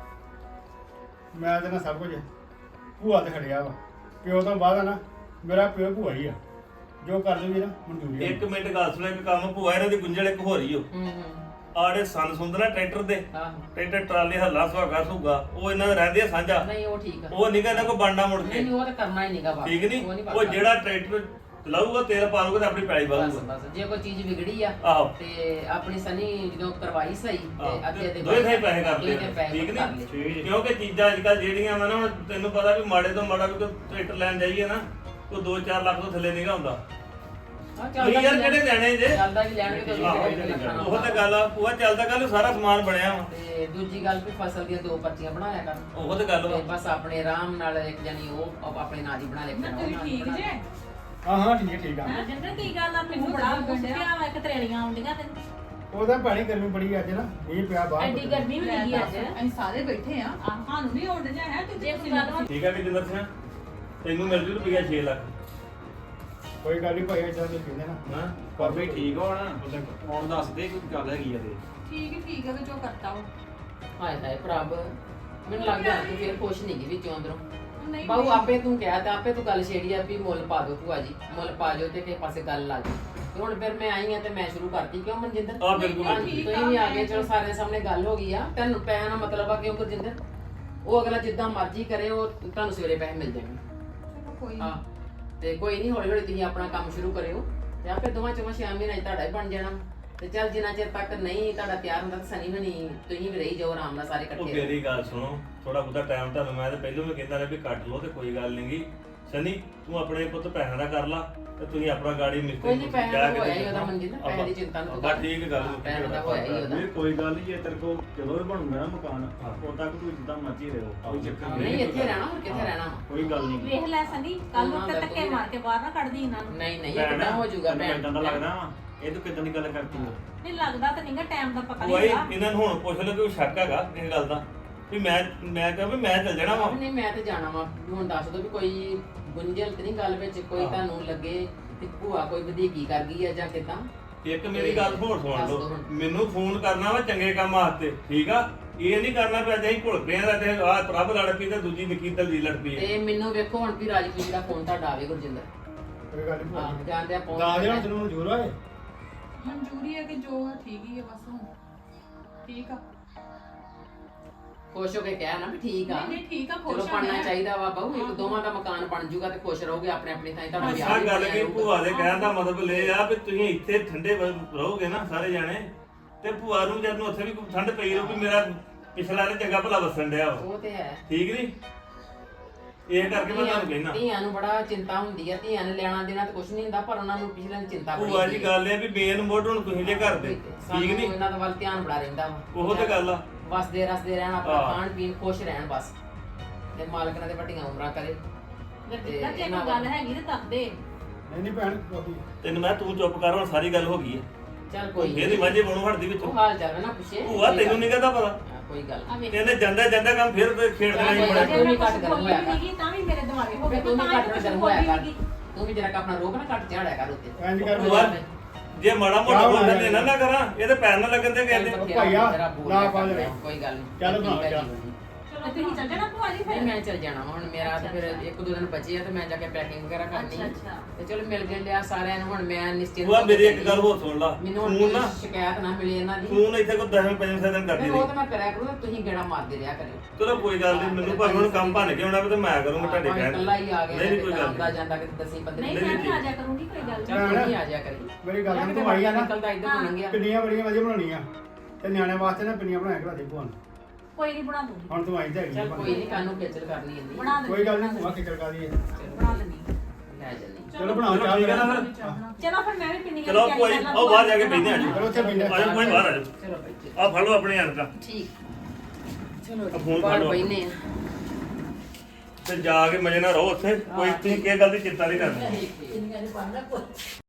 Speaker 3: ਮੈਂ ਤੇ ਨਾ ਸਭ ਕੁਝ ਭੂਆ ਤੇ ਖੜਿਆ ਵਾ ਪਿਓ ਤੋਂ ਬਾਅਦ ਆ ਨਾ ਮੇਰਾ ਪਿਓ ਭੂਆ ਹੀ ਆ ਜੋ ਕਰ ਦੂਗੀ ਨਾ ਮਨਜ਼ੂਰੀ ਆ।
Speaker 4: ਇੱਕ ਮਿੰਟ ਗੱਲ ਸੁਣੋ, ਇੱਕ ਕੰਮ ਭੂਆ ਇਹਨਾਂ ਦੀ ਗੁੰਝਲ ਇੱਕ ਹੋ ਰਹੀ ਓ
Speaker 2: ਹੂੰ
Speaker 4: ਆੜੇ ਸੰਨ ਸੁੰਦਰਾ ਟਰੈਕਟਰ ਦੇ
Speaker 2: ਆਹੋ
Speaker 4: ਟਰੈਕਟਰ ਟਰਾਲੇ ਹੱਲਾ ਸੁਹਾਗਾ ਸੁਗਾ ਉਹ ਇਹਨਾਂ ਦੇ ਰਹਿੰਦੇ ਆ ਸਾਂਝਾ।
Speaker 2: ਨਹੀਂ ਉਹ ਠੀਕ ਆ
Speaker 4: ਉਹ ਨਿਗਾ ਇਹਨਾਂ ਕੋ ਬਣਨਾ ਮੁੜ ਕੇ
Speaker 2: ਨਹੀਂ ਉਹ ਤਾਂ ਕਰਨਾ ਹੀ ਨਹੀਂਗਾ ਵਾ
Speaker 4: ਠੀਕ
Speaker 2: ਉਹ
Speaker 4: ਨਹੀਂ?
Speaker 2: ਨੀ
Speaker 4: ਉਹ
Speaker 2: ਬਣਨਾ।
Speaker 4: ਜਿਹੜਾ ਟਰੈਕਟਰ ਚਲਾਊਗਾ ਤੇਲ ਪਾਲੂਗਾ ਤੇ ਆਪਣੀ ਪੈਲੀ
Speaker 2: ਬਸ
Speaker 4: ਵਾਲੂਗਾ।
Speaker 2: ਬਸ ਜੇ ਕੋਈ ਚੀਜ਼ ਵਿਗੜੀ ਆ
Speaker 4: ਆਹੋ
Speaker 2: ਤੇ ਆਪਣੀ ਸਨੀ ਜਦੋਂ ਕਰਵਾਈ ਸਹੀ ਤੇ
Speaker 4: ਆਹੋ,
Speaker 2: ਅੱਧੇ ਦੇ
Speaker 4: ਦੋਵੇਂ ਥਾਈਂ ਪੈਸੇ ਕਰਦੇ
Speaker 2: ਦੋਵੇਂ ਥਾਈਂ
Speaker 4: ਆ,
Speaker 2: ਪੈਸੇ
Speaker 4: ਠੀਕ
Speaker 2: ਕਰ
Speaker 4: ਨੀ?
Speaker 2: ਲਏ।
Speaker 1: ਠੀਕ
Speaker 4: ਕਿਉਂਕਿ ਚੀਜ਼ਾਂ ਅੱਜ ਕੱਲ ਜਿਹੜੀਆਂ ਵਾ ਨਾ ਹੁਣ ਤੈਨੂੰ ਪਤਾ ਵੀ ਮਾੜੇ ਤੋਂ ਮਾੜਾ ਵੀ ਕੋਈ ਟਰੈਕਟਰ ਲੈਣ ਜਾਈਏ ਨਾ ਉਹ 2-4 ਲੱਖ ਤੋਂ ਥੱਲੇ ਨਹੀਂਗਾ ਹੁੰਦਾ।
Speaker 2: ਆਹ
Speaker 4: ਤੁਸੀਂ ਯਾਰ ਕਿਹੜੇ ਲੈਣੇ ਜੇ?
Speaker 2: ਚੱਲਦਾ ਵੀ ਲੈਣਗੇ ਤਾਂ
Speaker 4: ਆਹੋ, ਉਹ ਤਾਂ ਗੱਲ ਆ ਉਹ ਚੱਲਦਾ ਕੱਲ ਸਾਰਾ ਸਮਾਨ ਬਣਿਆ ਵਾ।
Speaker 2: ਤੇ ਦੂਜੀ ਗੱਲ ਵੀ ਫਸਲ ਦੀਆਂ 2 ਪਰਚੀਆਂ ਬਣਾਇਆ ਕਰ
Speaker 4: ਉਹ ਤਾਂ ਗੱਲ ਵਾ।
Speaker 2: ਤੇ ਬਸ ਆਪਣੇ ਆਰਾਮ ਨਾਲ ਇੱਕ ਜਾਨੀ ਉਹ ਆਪਣੇ ਨਾਂ ਦੀ ਬਣਾ ਲੈ
Speaker 6: ਨਾ ਤੁਸੀਂ ਠੀਕ ਜੇ
Speaker 3: ਹਾਂ ਹਾਂ ਠੀਕ ਹੈ ਠੀਕ ਆ
Speaker 5: ਜਿੰਦਰ ਕੀ ਗੱਲ ਆ ਮੈਨੂੰ ਬੜਾ ਗੁੱਸਿਆ ਵਾ ਇੱਕ ਤਰੇੜੀਆਂ ਆਉਂਦੀਆਂ ਤੈਨੂੰ
Speaker 3: ਉਹਦਾ ਪਾਣੀ ਗਰਮੀ ਬੜੀ ਅੱਜ ਨਾ ਇਹ ਪਿਆ ਬਾਹਰ
Speaker 5: ਐਡੀ ਗਰਮੀ ਵੀ ਲੱਗੀ ਅੱਜ
Speaker 6: ਅਸੀਂ ਸਾਰੇ ਬੈਠੇ ਆ ਸਾਨੂੰ ਨਹੀਂ ਉੱਡ ਜਾ ਹੈ ਤੂੰ
Speaker 5: ਜੇ ਕੋਈ ਗੱਲ ਵਾ
Speaker 4: ਠੀਕ ਆ ਵੀ ਜਿੰਦਰ ਸਿੰਘ ਤੈਨੂੰ ਮਿਲ ਜੂ ਰੁਪਈਆ 6 ਲੱਖ।
Speaker 3: ਕੋਈ ਗੱਲ ਨਹੀਂ ਭਾਈ ਇਦਾਂ ਦੇ ਕਹਿੰਦੇ ਨਾ
Speaker 4: ਹਾਂ
Speaker 1: ਕਾਫੀ ਠੀਕ ਹੋਣਾ ਹੁਣ ਦੱਸ ਦੇ ਕੋਈ ਗੱਲ ਹੈਗੀ ਆ ਤੇ
Speaker 6: ਠੀਕ ਹੈ ਕਿ ਜੋ ਕਰਤਾ ਉਹ
Speaker 2: ਹਾਏ ਹਾਏ ਪ੍ਰਭ ਮੈਨੂੰ ਲੱਗਦਾ ਤੂੰ ਫੇਰ ਖੁਸ਼ ਨਹੀਂ ਗਈ ਵਿੱਚੋਂ ਅੰਦਰੋਂ
Speaker 6: ਨਹੀਂ
Speaker 2: ਬਾਹੂ ਆਪੇ ਤੂੰ ਕਿਹਾ ਤੇ ਆਪੇ ਤੂੰ ਗੱਲ ਛੇੜੀ ਆ ਵੀ ਮੁੱਲ ਪਾ ਦਿਓ ਭੂਆ ਜੀ ਮੁੱਲ ਪਾ ਜਾਓ ਤੇ ਕਿਸੇ ਪਾਸੇ ਗੱਲ ਲਾ ਜਾਓ ਤੇ ਹੁਣ ਫਿਰ ਮੈਂ ਆਈ ਆ ਤੇ ਮੈਂ ਸ਼ੁਰੂ ਕਰਤੀ ਕਿਉਂ ਮਨਜਿੰਦਰ
Speaker 4: ਆ ਬਿਲਕੁਲ
Speaker 6: ਨਹੀਂ,
Speaker 4: ਬਿਲਕੁਲ।
Speaker 6: ਠੀਕ
Speaker 2: ਤੁਸੀਂ ਵੀ ਆ ਗਏ ਚਲੋ ਸਾਰਿਆਂ ਸਾਹਮਣੇ ਗੱਲ ਹੋ ਗਈ ਆ ਤੈਨੂੰ ਪੈਸਿਆਂ ਦਾ ਮਤਲਬ ਆ ਕਿਉਂ ਗੁਰਜਿੰਦਰ ਉਹ ਅਗਲਾ ਜਿੱਦਾਂ ਮਰਜ਼ੀ ਕਰੇ ਉਹ ਤੁਹਾਨੂੰ ਸਵੇਰੇ ਪੈਸੇ ਮਿਲ ਜਾਣਗੇ
Speaker 6: ਚਲੋ ਕੋਈ
Speaker 2: ਹਾਂ
Speaker 6: ਨੀ।
Speaker 2: ਤੇ ਕੋਈ ਨਹੀਂ ਹੌਲੀ ਹੌਲੀ ਤੁਸੀਂ ਆਪਣਾ ਕੰਮ ਸ਼ੁਰੂ ਕਰਿਓ ਤੇ ਆਪੇ ਦੋਵਾਂ ਚੋਂ 6 ਮਹੀਨੇ 'ਚ ਤੁਹਾਡਾ ਹੀ ਬਣ ਜਾਣਾ ਤੇ ਚੱਲ ਜਿੰਨਾ ਚਿਰ ਤੱਕ ਨਹੀਂ ਤੁਹਾਡਾ ਤਿਆਰ ਹੁੰਦਾ ਤਾਂ ਸਨੀ ਵੀ ਨਹੀਂ ਤੁਸੀਂ ਵੀ ਰਹੀ ਜਾਓ ਆਰਾਮ ਨਾਲ ਸਾਰੇ
Speaker 4: ਉਹ
Speaker 2: ਇਕੱਠੇ
Speaker 4: ਮੇਰੀ ਗੱਲ ਸੁਣੋ, ਥੋੜਾ ਬਹੁਤਾ ਟਾਈਮ ਤੁਹਾਨੂੰ ਮੈਂ ਤਾਂ ਪਹਿਲਾਂ ਵੀ ਕਹਿੰਦਾ ਰਿਹਾ ਵੀ ਕੱਟ ਲਓ ਤੇ ਕੋਈ ਗੱਲ ਨਹੀਂਗੀ ਸਨੀ ਤੂੰ ਆਪਣੇ ਪੁੱਤ ਪੈਸਿਆਂ ਦਾ ਕਰ ਲਾ ਤੇ ਤੁਸੀਂ ਆਪਣਾ ਗਾੜੀ ਮਿਸਤਰੀ
Speaker 2: ਕੋਈ ਨਹੀਂ ਪੈਸੇ
Speaker 4: ਕਹਿ ਕੇ
Speaker 2: ਹੋਇਆ ਹੀ
Speaker 4: ਦੇਖੋ।
Speaker 2: ਉਹਦਾ ਮੰਜੀ ਦਾ ਪੈਸੇ ਦੀ ਚਿੰਤਾ ਨੂੰ
Speaker 4: ਬਸ ਠੀਕ ਹੈ ਗੱਲ
Speaker 2: ਪੈਸੇ ਦਾ ਹੋਇਆ ਹੀ ਉਹਦਾ
Speaker 1: ਇਹ ਕੋਈ ਗੱਲ ਨਹੀਂ ਜੇ ਤੇਰੇ ਕੋਲ ਜਦੋਂ ਵੀ ਬਣੂਗਾ ਨਾ ਮਕਾਨ ਉਦੋਂ ਤੱਕ ਤੂੰ ਜਿੱਦਾਂ ਮਰਜ਼ੀ ਰਹੋ ਕੋਈ ਚੱਕਰ
Speaker 2: ਨਹੀਂ ਇੱਥੇ ਰਹਿਣਾ ਹੋਰ ਕਿੱਥੇ ਰਹਿਣਾ ਵਾ?
Speaker 1: ਕੋਈ ਗੱਲ ਨਹੀਂ
Speaker 5: ਵੇਖ ਲੈ ਸੰਦੀ ਕੱਲ ਨੂੰ ਤੇ ਧੱਕੇ ਮਾਰ ਕੇ ਬਾਹਰ ਨਾ ਕੱਢਦੀ ਇਹਨਾਂ ਨੂੰ।
Speaker 2: ਨਹੀਂ ਨਹੀਂ ਇਹ ਕਿੱਦਾਂ ਹੋ ਜਾਊਗਾ ਭੈਣ
Speaker 1: ਇਦਾਂ ਦਾ ਲੱਗਦਾ ਵਾ ਇਹ ਤੂੰ ਕਿਦਾਂ ਦੀ ਗੱਲ ਕਰਤੀ ਆ
Speaker 5: ਨਹੀਂ ਲੱਗਦਾ ਤਾਂ ਨਹੀਂਗਾ ਟਾਈਮ ਦਾ ਪਤਾ
Speaker 4: ਉਹ
Speaker 5: ਨਹੀਂ
Speaker 4: ਇਹ
Speaker 5: ਹੈਗਾ।
Speaker 4: ਇਹਨਾਂ ਨੂੰ ਹੁਣ ਪੁੱਛ ਲੈ ਕਿ ਉਹ ਸ਼ੱਕ ਹੈਗਾ ਇਸ ਗੱਲ ਦਾ ਵੀ ਮੈਂ ਕਹਾਂ ਵੀ ਮੈਂ ਚੱਲ ਜਾਣਾ ਵਾ
Speaker 2: ਨਹੀਂ ਮੈਂ ਤੇ ਜਾਣਾ ਵਾ ਹੁਣ ਦੱਸ ਦੋ ਵੀ ਕੋਈ ਗੁੰਝਲ ਤੇ ਨਹੀਂ ਗੱਲ ਵਿੱਚ ਕੋਈ ਤੁਹਾਨੂੰ ਲੱਗੇ ਕਿ ਭੂਆ ਕੋਈ ਵਧੀਕੀ ਕਰ ਗਈ ਆ ਜਾਂ ਕਿਦਾਂ
Speaker 4: ਇੱਕ ਮੇਰੀ ਗੱਲ ਹੋਰ ਸੁਣ
Speaker 2: ਦੱਸ ਦਿਓ
Speaker 4: ਲਓ
Speaker 2: ਹੁਣ।
Speaker 4: ਮੈਨੂੰ ਫੋਨ ਕਰਨਾ ਵਾ ਚੰਗੇ ਕੰਮ ਵਾਸਤੇ ਠੀਕ ਆ ਇਹ ਨਹੀਂ ਕਰਨਾ ਪਿਆ ਜੇ ਅਸੀਂ ਘੁਲ ਪਏ ਆ ਤੇ ਆਹ ਪ੍ਰਭ ਲੜ ਪਈ ਤੇ ਦੂਜੀ ਨਿੱਕੀ ਦਲਜੀ ਲੜ ਪਈ
Speaker 2: ਤੇ ਮੈਨੂੰ ਵੇਖੋ ਹੁਣ ਵੀ ਰਾਜਪੂਤ ਦਾ ਫੋਨ ਤੁਹਾਡਾ ਆਵੇ ਗੁਰਜਿੰਦਰ
Speaker 3: ਕੋਈ ਗੱਲ ਨਹੀਂ
Speaker 2: ਹਾਂ
Speaker 3: ਭੂਆ
Speaker 2: ਜਾਂਦੇ ਆ
Speaker 3: ਦਾ
Speaker 2: ਪਹੁੰਚ
Speaker 3: ਜਿਹੜਾ ਤੈਨੂੰ ਮਨਜ਼ੂਰ ਹੋਏ
Speaker 6: ਮਨਜ਼ੂਰੀ ਹੈ ਕਿ ਜੋ ਹੈ ਠੀਕ ਹੀ ਹੈ ਬਸ ਹੁਣ ਠੀਕ ਆ
Speaker 2: ਖੁਸ਼ ਹੋ ਕੇ ਕਹਿ ਨਾ ਵੀ ਠੀਕ ਆ
Speaker 6: ਨਹੀਂ ਠੀਕ ਆ
Speaker 2: ਚਲੋ
Speaker 6: ਖੁਸ਼ ਆ
Speaker 2: ਬਣਨਾ
Speaker 6: ਮੈਂ।
Speaker 2: ਚਾਹੀਦਾ ਵਾ ਬਾਹੂ ਇੱਕ ਦੋਵਾਂ ਦਾ ਮਕਾਨ ਬਣ ਜੂਗਾ ਤੇ ਖੁਸ਼ ਰਹੋਗੇ ਆਪਣੇ ਆਪਣੀ ਥਾਂ ਤੁਹਾਡਾ ਵਿਆਹ
Speaker 4: ਆਹ
Speaker 2: ਵੀ
Speaker 4: ਗੱਲ
Speaker 2: ਬਣਿਆ
Speaker 4: ਕੀ
Speaker 2: ਰਹੂਗਾ।
Speaker 4: ਭੂਆ ਦੇ ਕਹਿਣ ਦਾ ਮਤਲਬ ਇਹ ਆ ਵੀ ਤੁਸੀਂ ਇੱਥੇ ਠੰਡੇ ਰਹੋਗੇ ਨਾ ਸਾਰੇ ਜਾਣੇ ਤੇ ਭੂਆ ਨੂੰ ਜਦ ਨੂੰ ਉੱਥੇ ਵੀ ਕੋਈ ਠੰਡ ਪਈ ਰਹੂ ਵੀ ਮੇਰਾ ਪਿਛਲਾ ਨੇ ਚੰਗਾ ਭਲਾ ਵਸਣ ਡਿਆ ਵਾ
Speaker 2: ਉਹ ਤੇ ਹੈ
Speaker 4: ਠੀਕ ਨਹੀਂ ਇਹ ਕਰਕੇ ਮੈਂ ਤੁਹਾਨੂੰ ਕਹਿਣਾ
Speaker 2: ਧੀਆਂ ਨੂੰ ਬੜਾ ਚਿੰਤਾ ਹੁੰਦੀ ਆ ਧੀਆਂ ਨੇ ਲੈਣਾ ਦੇਣਾ ਤੇ ਕੁਝ ਨਹੀਂ ਹੁੰਦਾ ਪਰ ਉਹਨਾਂ ਨੂੰ ਪਿਛਲੇ ਦੀ ਚਿੰਤਾ ਬੜੀ
Speaker 4: ਭੂਆ ਜੀ ਗੱਲ ਇਹ ਵੀ ਮੇਨ ਮੋਢ ਹੁਣ ਤੁਸੀਂ ਜੇ ਘਰ ਦੇ
Speaker 2: ਸਾਨੂੰ
Speaker 4: ਠੀਕ ਨਹੀਂ
Speaker 2: ਇਹਨਾਂ ਦਾ ਵੱਲ ਧਿਆਨ ਬੜਾ ਰਹਿੰਦਾ ਵਾ
Speaker 4: ਉਹ ਤੇ ਗੱਲ ਆ
Speaker 2: ਵਸਦੇ ਰਸਦੇ ਰਹਿਣ ਆਪਣਾ
Speaker 4: ਹਾਂ।
Speaker 2: ਖਾਣ ਪੀਣ ਖੁਸ਼ ਰਹਿਣ ਬਸ ਤੇ ਮਾਲਕ ਨੇ ਤੇ ਵੱਡੀਆਂ ਉਮਰਾਂ ਕਰੇ
Speaker 5: ਜੇ ਕੋਈ ਗੱਲ ਹੈਗੀ ਤੇ ਦੱਸ ਦੇ।
Speaker 3: ਨਹੀਂ ਨਹੀਂ ਭੈਣ ਕੋਈ
Speaker 4: ਤੈਨੂੰ ਮੈਂ ਤੂੰ ਚੁੱਪ ਕਰ ਹੁਣ ਸਾਰੀ ਗੱਲ ਹੋ ਗਈ ਹੈ
Speaker 2: ਚੱਲ ਕੋਈ ਨੀ।
Speaker 4: ਇਹਦੀ ਮਾਝੇ ਬਣੂ ਹਟਦੀ ਵਿੱਚੋਂ
Speaker 2: ਉਹ ਹਾਲ ਚਾਲ ਨਾ ਪੁੱਛੇ
Speaker 4: ਭੂਆ ਤੈਨੂੰ ਨਹੀਂ ਕਹਦਾ ਪਤਾ
Speaker 2: ਹਾਂ, ਕੋਈ ਗੱਲ
Speaker 5: ਆ ਵੇਖ
Speaker 4: ਕਹਿੰਦੇ ਜਾਂਦਾ ਜਾਂਦਾ ਕੰਮ ਫਿਰ ਤੇ ਖੇਡ ਦੇਣਾ ਹੀ
Speaker 2: ਕੋਈ
Speaker 4: ਬੜਾ
Speaker 2: ਗੱਲ
Speaker 5: ਜੇ ਮੈਂ
Speaker 2: ਘੱਟ
Speaker 5: ਕੁਛ
Speaker 2: ਗਰਮ
Speaker 5: ਬੋਲੀ
Speaker 2: ਹੋਇਆ
Speaker 5: ਵੀ ਨਹੀਂ ਤਾਂ ਵੀ ਮੇਰੇ ਦਿਮਾਗੇ ਹੋ
Speaker 2: ਫਿਰ
Speaker 5: ਗਿਆ
Speaker 2: ਤੂੰ
Speaker 5: ਤਾਂ
Speaker 2: ਵੀ
Speaker 5: ਹੀ
Speaker 2: ਘੱਟ
Speaker 5: ਕੁਛ
Speaker 2: ਗਰਮ
Speaker 5: ਬੋਲੀ
Speaker 2: ਹੋਇਆ
Speaker 5: ਵੀ
Speaker 2: ਕਰ
Speaker 5: ਨਹੀਂ।
Speaker 2: ਤੂੰ ਵੀ ਜਰਾ ਆਪਣਾ ਰੋਗ ਨਾ ਘੱਟ ਝਾੜਿਆ ਕਰ ਉੱਤੇ
Speaker 3: ਇੰਜ ਕਰ
Speaker 4: ਭੂਆ ਜੇ ਮਾੜਾ ਮੋਟਾ ਬੋਲਣ ਦੇ ਨਾ ਕਰਾਂ ਇਹ ਤੇ ਪੈਰ ਨਾ ਲੱਗਣ ਦੇ ਕਹਿੰਦੇ
Speaker 3: ਭਾਈਆ,
Speaker 2: ਜਰਾ ਬੋਲ
Speaker 3: ਨਾ
Speaker 2: ਲਿਆ
Speaker 3: ਪਾ
Speaker 2: ਕਰ,
Speaker 3: ਲੈ।
Speaker 2: ਕੋਈ ਗੱਲ ਨਹੀਂ
Speaker 3: ਚੱਲ ਬਣਾ
Speaker 2: ਠੀਕ ਹੈ
Speaker 3: ਜਾ।
Speaker 2: ਜੀ।
Speaker 5: ਚਲੋ ਤੁਸੀਂ ਚੱਲ ਜਾਣਾ ਭੂਆ ਜੀ
Speaker 2: ਨਹੀਂ
Speaker 5: ਫਿਰ।
Speaker 2: ਮੈਂ ਚੱਲ ਜਾਣਾ ਵਾ, ਹੁਣ ਮੇਰਾ ਤੇ ਫਿਰ ਇੱਕ ਦੋ ਦਿਨ ਬਚੇ ਆ ਤੇ ਮੈਂ ਜਾ ਕੇ ਪੈਕਿੰਗ ਵਗੈਰਾ ਕਰਨੀ ਆ
Speaker 5: ਅੱਛਾ।
Speaker 2: ਤੇ ਚਲੋ ਮਿਲ ਗਏ ਲਿਆ ਸਾਰਿਆਂ ਨੂੰ ਹੁਣ ਮੈਂ ਨਿਸ਼ਚਿੰਤ
Speaker 4: ਭੂਆ
Speaker 2: ਹੋ ਕੇ
Speaker 4: ਮੇਰੀ ਇੱਕ
Speaker 2: ਚੱਲੀ।
Speaker 4: ਗੱਲ ਹੋਰ ਸੁਣ ਲਾ
Speaker 2: ਮੈਨੂੰ ਹੁਣ
Speaker 4: ਫੋਨ ਨਾ
Speaker 2: ਕੋਈ ਸ਼ਿਕਾਇਤ ਨਾ ਮਿਲੇ ਇਹਨਾਂ ਦੀ
Speaker 4: ਫੋਨ ਇੱਥੇ ਕੋਈ 10-15 ਦਿਨ ਕਰਦੀ
Speaker 2: ਨਹੀਂ,
Speaker 4: ਰਹੀ
Speaker 2: ਉਹ ਤਾਂ ਮੈਂ ਕਰਿਆ ਕਰੂੰ ਤੇ ਤੁਸੀਂ ਗੇੜਾ ਮਾਰਦੇ ਰਿਹਾ ਕਰਿਓ
Speaker 4: ਚਲੋ ਕੋਈ ਗੱਲ ਨਹੀਂ ਮੈਨੂੰ ਭਾਵੇਂ ਹੁਣ ਕੰਮ ਭੰਨ ਕੇ ਆਉਣਾ ਵੀ ਤੇ ਮੈਂ ਕਰੂੰਗਾ ਤੁਹਾਡੇ
Speaker 2: ਭਾਵੇਂ
Speaker 4: ਕਹਿਣ
Speaker 2: ਇਕੱਲਾ ਹੀ ਆ ਗਿਆ
Speaker 4: ਨਹੀਂ ਨਹੀਂ ਕੋਈ ਗੱਲ
Speaker 2: ਆਉਂਦਾ
Speaker 4: ਨਹੀਂ
Speaker 2: ਜਾਂਦਾ ਕਿਤੇ 10-15
Speaker 5: ਨਹੀਂ ਮੈਂ ਵੀ ਆ ਜਾ ਕਰੂੰਗੀ ਕੋਈ ਗੱਲ
Speaker 2: ਚੱਲ
Speaker 5: ਨਹੀਂ।
Speaker 2: ਤੂੰ ਹੀ ਆ ਜਾ ਕਰੀ
Speaker 3: ਮੇਰੀ ਗੱਲ ਸੁਣ ਤੂੰ ਆਈ ਆ ਨਾ
Speaker 2: ਨਿਕਲਦਾ ਇੱਧਰ ਨੂੰ ਲੰਘਿਆ
Speaker 3: ਪਿੰਨੀਆਂ ਬੜੀਆਂ ਵਧੀਆ ਬਣਾਉਣੀਆਂ ਤੇ ਨਿਆਣਿਆਂ ਵਾਸਤੇ ਨਾ ਪਿੰਨੀਆਂ ਬਣਾ ਕੇ ਲਾ ਦੇ ਭੂਆ ਨੂੰ
Speaker 5: ਕੋਈ ਨਹੀਂ ਬਣਾ ਦੂੰਗੀ
Speaker 3: ਹੁਣ ਤੂੰ ਆਈ ਤੇ
Speaker 2: ਚੱਲ ਕੋਈ ਨਹੀਂ ਕਾਨੂੰ ਖੇਚਲ ਕਰਨੀ ਇੰਨੀ
Speaker 5: ਬਣਾ ਦੇ
Speaker 3: ਕੋਈ ਗੱਲ ਨਹੀਂ ਭੂਆ ਕਿਕਰ ਕਾ ਦੀ
Speaker 5: ਬਣਾ ਦੇਣੀ।
Speaker 2: ਲੈ ਜੰਨੀ
Speaker 3: ਚਲੋ ਬਣਾਓ ਚਾਹ
Speaker 4: ਠੀਕ ਹੈ ਨਾ ਫਿਰ
Speaker 5: ਚਲੋ ਫਿਰ ਮੈਂ ਵੀ ਪਿੰਨੀ
Speaker 4: ਚਲੋ ਕੋਈ ਉਹ ਬਾਹਰ ਜਾ ਕੇ ਬੈਠਦੇ ਆ ਜੀ
Speaker 3: ਚਲੋ ਉੱਥੇ ਬੈਠਦੇ
Speaker 4: ਆਜੋ ਕੋਈ ਬਾਹਰ ਆਜੋ
Speaker 2: ਚਲੋ ਬੱਚੇ
Speaker 4: ਆ ਫੜ ਲਓ ਆਪਣੇ ਹੱਥ
Speaker 2: ਠੀਕ ਚਲੋ
Speaker 4: ਆ ਫੋਨ
Speaker 2: ਬਾਹਰ
Speaker 4: ਫੜ ਲਓ।
Speaker 2: ਬੈਨੇ ਆ
Speaker 4: ਤੇ ਜਾ ਕੇ ਮਜੇ ਨਾਲ ਰਹੋ ਉੱਥੇ ਕੋਈ ਤੁਸੀਂ ਕਿਸੇ ਗੱਲ ਦੀ ਚਿੰਤਾ ਨਹੀਂ ਕਰਨੀ
Speaker 2: ਠੀਕ ਠੀਕ